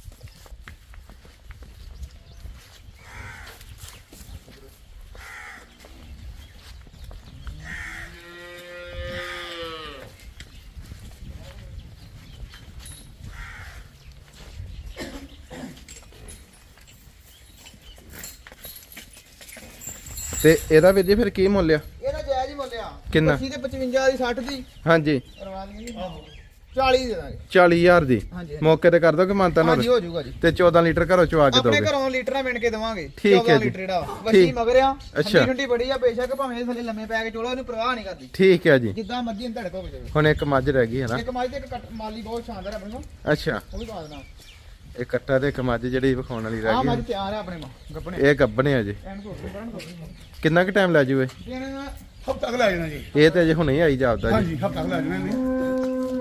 S1: ਤੇ ਇਹਦਾ ਵੀਰ ਜੀ ਫਿਰ ਕੀ ਮੁੱਲ ਆ
S3: ਇਹਦਾ ਜਾਇਜ਼ ਹੀ ਮੁੱਲਿਆ
S1: ਕਿੰਨਾ?
S3: 25 ਤੇ 55 ਦੀ 60 ਦੀ
S1: ਹਾਂਜੀ
S3: ਕਰਵਾ ਲਈਏ ਆਹੋ 40 ਦੇ ਦਾਂਗੇ
S1: 40000 ਦੀ
S3: ਹਾਂਜੀ
S1: ਮੌਕੇ ਤੇ ਕਰ ਦੋ ਕਿ ਮਾਨਤਾ
S3: ਹਾਂਜੀ
S1: ਨਾਲ
S3: ਹੋ ਜਾਊਗਾ ਜੀ
S1: ਤੇ 14 ਲੀਟਰ ਘਰੋਂ ਚਵਾ ਕੇ
S3: ਆਪਣੇ
S1: ਦੋਗੇ
S3: ਘਰੋਂ ਲੀਟਰਾਂ ਮਿਣ ਕੇ ਦਵਾਂਗੇ
S1: ਠੀਕ ਹੈ
S3: 14
S1: ਜੀ।
S3: ਲੀਟਰ ਜਿਹੜਾ ਵੱਛੀ
S1: ਠੀਕ।
S3: ਮਗਰ ਆ
S1: ਅੱਛਾ।
S3: ਠੰਡੀ ਠੰਡੀ ਬੜੀ ਆ ਬੇਸ਼ੱਕ ਭਾਵੇਂ ਇਹ ਥੱਲੇ ਲੰਮੇ ਪੈ ਕੇ ਚੋਲੋ ਇਹਨੂੰ ਪਰਵਾਹ ਨਹੀਂ ਕਰਦੀ
S1: ਠੀਕ ਹੈ ਜੀ
S3: ਜਿੱਦਾਂ ਮਰਜ਼ੀ ਇਹਨੂੰ ਧੜਕ ਹੋ ਜਾਵੇ
S1: ਹੁਣ ਇੱਕ ਮੱਝ ਰਹਿ ਗਈ ਹੈ ਨਾ
S3: ਇੱਕ ਮਾਈ ਤੇ ਇੱਕ ਮਾਲੀ ਬਹੁਤ ਸ਼ਾਨਦਾਰ ਹੈ ਆਪਣੇ ਕੋਲ
S1: ਅੱਛਾ
S3: ਉਹ ਵੀ ਪਾ ਦੇਣਾ
S1: ਇਹ ਕੱਟਾ ਤੇ ਇੱਕ ਮੱਝ ਜਿਹੜੀ ਵਿਖਾਉਣ ਵਾਲੀ
S3: ਆ
S1: ਰਹਿ
S3: ਮੱਝ
S1: ਗਈ
S3: ਤਿਆਰ ਹੈ ਆਪਣੇ ਮਾਂ ਗੱਪਣੇ
S1: ਇਹ ਗੱਬਣੇ ਆ ਜੀ
S3: ਐਨ ਤੋਂ ਬੜਨ ਤੋਂ
S1: ਕਿੰਨਾ ਕੁ ਟਾਈਮ ਲੈ ਜੂਏ
S3: ਇਹਨਾਂ
S2: ਹਫਤਾ ਤੱਕ ਲੈ ਜਾਣਾ ਜੀ
S1: ਇਹ ਤੇ ਅਜੇ ਹੁਣੇ ਹੀ ਆਈ ਜਾਪਦਾ ਜੀ
S2: ਹਾਂਜੀ ਹਫਤਾ ਤੱਕ ਲੈ ਜਾਣਾ ਇਹਨੇ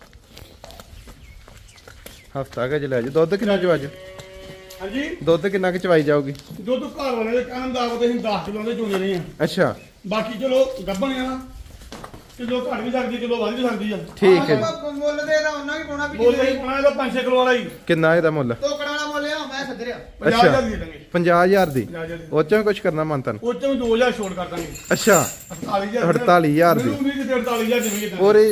S1: ਹਫਤਾ ਕੁ ਚ ਲੈ ਜੂ ਦੁੱਧ ਕਿੰਨਾ ਚਵਾ ਜੂ
S2: ਹਾਂਜੀ
S1: ਦੁੱਧ ਕਿੰਨਾ ਕੁ ਚਵਾਈ ਜਾਊਗੀ
S2: ਦੁੱਧ ਘਰ ਵਾਲੇ ਦੇ ਕਹਿਣ ਦਾ ਉਹ ਤੇ ਅਸੀਂ 10 ਕਿਲੋ ਦੇ ਚੋਂਦੇ ਨਹੀਂ ਆ
S1: ਅੱਛਾ
S2: ਬਾਕੀ ਚਲੋ ਗੱਭਣ ਆ ਨਾ ਕਿਲੋ ਘੱਟ ਵੀ ਸਕਦੀ ਕਿਲੋ ਵੱਧ ਵੀ ਸਕਦੀ ਆ
S1: ਠੀਕ ਹੈ ਜੀ
S3: ਮੁੱਲ ਦੇ ਦਾ ਉਹਨਾਂ ਵੀ ਪਾਉਣਾ ਵੀ
S2: ਬੋਲ ਰਹੀ ਪਾਣਾ ਇਹਦਾ 5-6 ਕਿਲੋ ਵਾਲਾ ਹੀ
S1: ਕਿੰਨਾ ਇਹਦਾ ਮੁੱਲ
S3: ਤੋਕੜਾ ਵਾਲਾ ਮੁੱਲ ਆ ਮੈਂ ਸੱਜਰਿਆ
S2: 50,000 ਦੇ ਦਾਂਗੇ
S1: 50000 ਦੀ
S2: 50,000 ਦੀ
S1: ਉਹ ਚੋਂ ਕੁਝ ਕਰਨਾ ਮੰਤਨ
S2: ਉਹ ਚੋਂ 2,000 ਛੋੜ ਕਰ ਦਾਂਗੇ
S1: ਅੱਛਾ
S2: 48,000
S1: 48,000 ਦੀ।
S2: ਮੈਨੂੰ ਉਮੀਦ ਸੀ 48,000 ਦੇਵਾਂਗੇ ਤਾਂ
S1: ਪੂਰੀ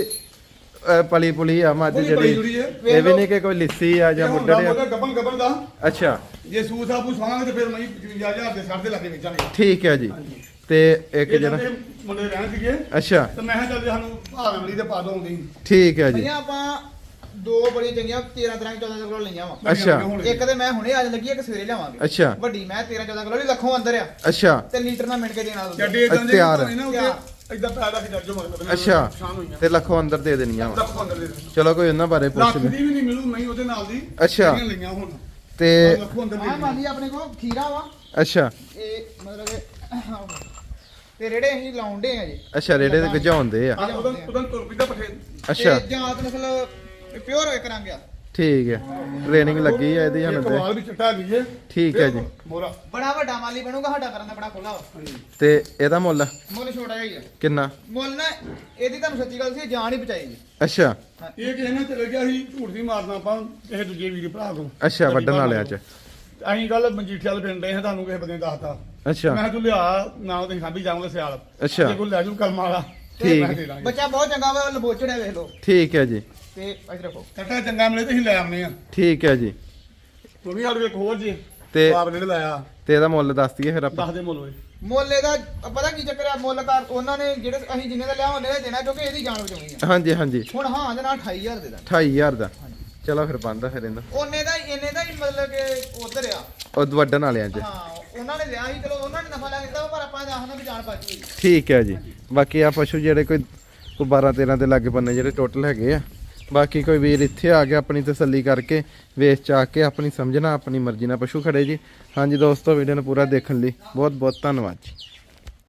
S1: ਪਲੀ ਪੁਲੀ ਆ ਮੱਝ
S2: ਪੂਰੀ
S1: ਜਿਹੜੀ
S2: ਜੁੜੀ ਹੈ।
S1: ਇਹ ਵੀ ਨਹੀਂ ਕਿ ਕੋਈ ਲਿੱਸੀ ਆ ਜਾਂ ਮੁੱਢੜ ਆ
S2: ਗੱਭਣ ਦਾ
S1: ਅੱਛਾ
S2: ਜੇ ਸੂਤ ਆਪੂ ਸਵਾਵਾਂਗੇ ਤੇ ਫਿਰ ਮੈਂ 55,000 ਦੇ 60 ਦੇ ਲਾਗੇ ਵੇਚਾਂਗੇ
S1: ਠੀਕ ਹੈ ਜੀ ਤੇ ਇੱਕ
S2: ਇਹ
S1: ਜਿਹੜਾ
S2: ਜਿਹੜੇ ਮੁੰਡੇ ਰਹਿਣ ਸੀਗੇ
S1: ਅੱਛਾ
S2: ਤੇ ਮੈਂ ਕਿਹਾ ਚੱਲ ਸਾਨੂੰ ਭਾਵੇਂ ਮਲੀ ਤੇ ਪਾ ਦੋਗੇ
S1: ਠੀਕ ਹੈ ਜੀ
S3: ਭਈਆ ਆਪਾਂ ਦੋ ਬੜੀਆਂ ਚੰਗੀਆਂ 13 ਤਰ੍ਹਾਂ 14 ਕਿਲੋ ਲਈਆਂ ਵਾ
S1: ਅੱਛਾ।
S3: ਇੱਕ ਤੇ ਮੈਂ ਹੁਣੇ ਅੱਜ ਲੱਗੀ ਇੱਕ ਸਵੇਰੇ ਲਿਆਵਾਂਗੇ
S1: ਅੱਛਾ
S3: ਵੱਡੀ ਮੈਂ 13 14 ਕਿਲੋ ਦੀ ਲੱਖੋਂ ਅੰਦਰ ਆ
S1: ਅੱਛਾ
S3: ਤੇ ਲੀਟਰ ਨਾਲ ਮਿੰਟ ਕੇ ਦੇਣਾ ਦੁੱਧ।
S2: ਜੱਡੇ ਇਦਾਂ ਦੇ
S1: ਤਿਆਰ।
S2: ਹੋਏ ਨਾ ਉੱਤੇ ਇਦਾਂ ਪੈਦਾ ਕਿ ਜੱਜੋ ਮਤਲਬ
S1: ਅੱਛਾ
S2: ਨੁਕਸਾਨ ਹੋਈਆਂ
S1: ਤੇ ਲੱਖੋਂ ਅੰਦਰ ਦੇ ਦੇਣੀਆਂ ਵਾ
S2: ਲੱਖ ਅੰਦਰ ਦੇ ਦੇਣਾ।
S1: ਚਲੋ ਕੋਈ ਉਹਨਾਂ ਬਾਰੇ ਪੁੱਛ
S2: ਲੱਖ
S1: ਲੈ
S2: ਦੀ ਵੀ ਨਹੀਂ ਮਿਲੂ ਨਹੀਂ ਉਹਦੇ ਨਾਲ ਦੀ
S1: ਅੱਛਾ।
S2: ਜਿਹੜੀਆਂ ਲਈਆਂ ਹੁਣ
S1: ਤੇ
S2: ਲੱਖ ਅੰਦਰ ਦੇ
S3: ਆਹ ਮਾਲੀ ਆਪਣੇ ਕੋਲ ਖੀਰਾ ਵਾ
S1: ਅੱਛਾ
S3: ਇਹ ਮਤਲਬ ਕਿ ਤੇ ਰੇੜੇ ਅਸੀਂ ਲਾਉਂਦੇ ਆ ਜੀ
S1: ਅੱਛਾ ਰੇੜੇ ਤੇ ਗਜਾਉਂਦੇ ਆ
S2: ਉਹਦਾ ਤੁਰ ਪਿੱਦਾ ਪਠੇ
S1: ਅੱਛਾ
S3: ਤੇ ਜਾਤ ਨਸਲ ਪਿਓਰ ਹੋਏ ਕਰਾਂਗੇ ਆ।
S1: ਠੀਕ ਹੈ ਟ੍ਰੇਨਿੰਗ ਲੱਗੀ ਆ ਇਹਦੀ
S2: ਇੱਕ
S1: ਹੁਣ ਤੇ
S2: ਵਾਲ ਵੀ ਚਿੱਟਾ ਦੀਏ
S1: ਠੀਕ ਹੈ ਜੀ
S2: ਮੋਰਾ
S3: ਬੜਾ ਵੱਡਾ ਮਾਲੀ ਬਣੂਗਾ ਸਾਡਾ ਕਰਨ ਦਾ ਬੜਾ ਖੁੱਲਾ ਵਾ
S1: ਤੇ ਇਹਦਾ ਮੁੱਲ
S3: ਮੁੱਲ ਛੋਟਾ ਜਿਹਾ ਹੀ ਆ
S1: ਕਿੰਨਾ
S3: ਮੁੱਲ ਨਾ ਇਹਦੀ ਤੁਹਾਨੂੰ ਸੱਚੀ ਗੱਲ ਸੀ ਜਾਨ ਹੀ ਬਚਾਈ ਜੀ
S1: ਅੱਛਾ
S2: ਇਹ ਕਿਸੇ ਨੇ ਚਲੇ ਗਿਆ ਸੀ ਝੂਠ ਨਹੀਂ ਮਾਰਨਾ ਆਪਾਂ ਕਿਸੇ ਦੂਜੇ ਵੀਰ ਭਰਾ ਤੋਂ
S1: ਅੱਛਾ ਵੱਢਣ ਵਾਲਿਆਂ ਚ
S2: ਅਸੀਂ ਕੱਲ ਮਜੀਠੇ ਵਾਲੇ ਪਿੰਡ ਰਹੇ ਹਾਂ ਤੁਹਾਨੂੰ ਕਿਸੇ ਬੰਦੇ ਨੇ ਦੱਸਤਾ
S1: ਅੱਛਾ
S2: ਮੈਂ ਕਿਹਾ ਤੂੰ ਲਿਆ ਨਾ ਤੇ ਸਾਂਭੀ ਜਾਵਾਂਗੇ ਸਿਆਲ
S1: ਅੱਛਾ।
S2: ਜੇ ਕੋਈ ਲੈ ਜੂ ਕਲਮ ਵਾਲਾ ਤੇ
S1: ਠੀਕ।
S2: ਮੈਂ ਦੇ ਦਾਂਗੇ
S3: ਬੱਚਾ ਬਹੁਤ ਚੰਗਾ ਵਾ ਲਬੋਚੜਿਆ ਵੇਖ ਲਓ
S1: ਠੀਕ ਹੈ ਜੀ
S3: ਤੇ ਇੱਧਰ ਰੱਖੋ
S2: ਕੱਟਾ ਚੰਗਾ ਮਿਲੇ ਤੇ ਅਸੀਂ ਲੈ ਆਉਨੇ ਆ
S1: ਠੀਕ ਹੈ ਜੀ
S2: ਤੂੰ ਵੀ ਸਾਡੇ ਕੋਲ ਇੱਕ ਹੋਰ ਜੀ
S1: ਤੇ
S2: ਆਪ ਨੇ ਲਾਇਆ
S1: ਤੇ ਇਹਦਾ ਮੁੱਲ ਦੱਸ ਦਈਏ ਫਿਰ ਆਪਾਂ
S2: ਦੱਸ ਦੇ ਮੁੱਲ ਓਏ
S3: ਮੁੱਲ ਇਹਦਾ ਪਤਾ ਕੀ ਚੱਕਰ ਆ ਮੁੱਲ ਕਰ ਉਹਨਾਂ ਨੇ ਜਿਹੜੇ ਅਸੀਂ ਜਿੰਨੇ ਦਾ ਲਿਆ ਉਹਨੇ ਦਾ ਦੇਣਾ ਕਿਉਂਕਿ ਇਹਦੀ ਜਾਨ ਬਚਾਉਣੀ ਆ
S1: ਹਾਂਜੀ ਹਾਂਜੀ
S3: ਹੁਣ ਹਾਂ ਦੇ ਨਾਲ 28000 ਦੇ ਦਾ
S1: 28000 ਦਾ ਚਲੋ ਫਿਰ ਬੰਦਾ ਫਿਰ ਇਹਦਾ
S3: ਉਹਨੇ ਦਾ ਇਹਨੇ ਦਾ ਹੀ ਮਤਲਬ ਕਿ ਉਧਰ ਆ
S1: ਉਹ ਵੱਢਣ ਵਾਲਿਆਂ ਚ
S3: ਹਾਂ ਉਹਨਾਂ ਨੇ ਲਿਆ ਸੀ ਚਲੋ ਉਹਨਾਂ ਨੇ ਨਫਾ ਲੈ ਦਿੱਤਾ ਪਰ ਆਪਾਂ ਆਖਣਾ ਵੀ ਜਾਨ ਬਚ ਗਈ
S1: ਠੀਕ ਹੈ ਜੀ ਬਾਕੀ ਆ ਪਸ਼ੂ ਜਿਹੜੇ ਕੋਈ 12 13 ਦੇ ਲਾਗੇ ਬੰਨੇ ਜਿਹੜੇ ਟੋਟਲ ਹੈਗੇ ਆ ਬਾਕੀ ਕੋਈ ਵੀਰ ਇੱਥੇ ਆ ਕੇ ਆਪਣੀ ਤਸੱਲੀ ਕਰਕੇ ਵੇਚ ਚਾ ਕੇ ਆਪਣੀ ਸਮਝਣਾ ਆਪਣੀ ਮਰਜ਼ੀ ਨਾਲ ਪਸ਼ੂ ਖੜੇ ਜੀ ਹਾਂਜੀ ਦੋਸਤੋ ਵੀਡੀਓ ਨੂੰ ਪੂਰਾ ਦੇਖਣ ਲਈ ਬਹੁਤ ਬਹੁਤ ਧੰਨਵਾਦ ਜੀ।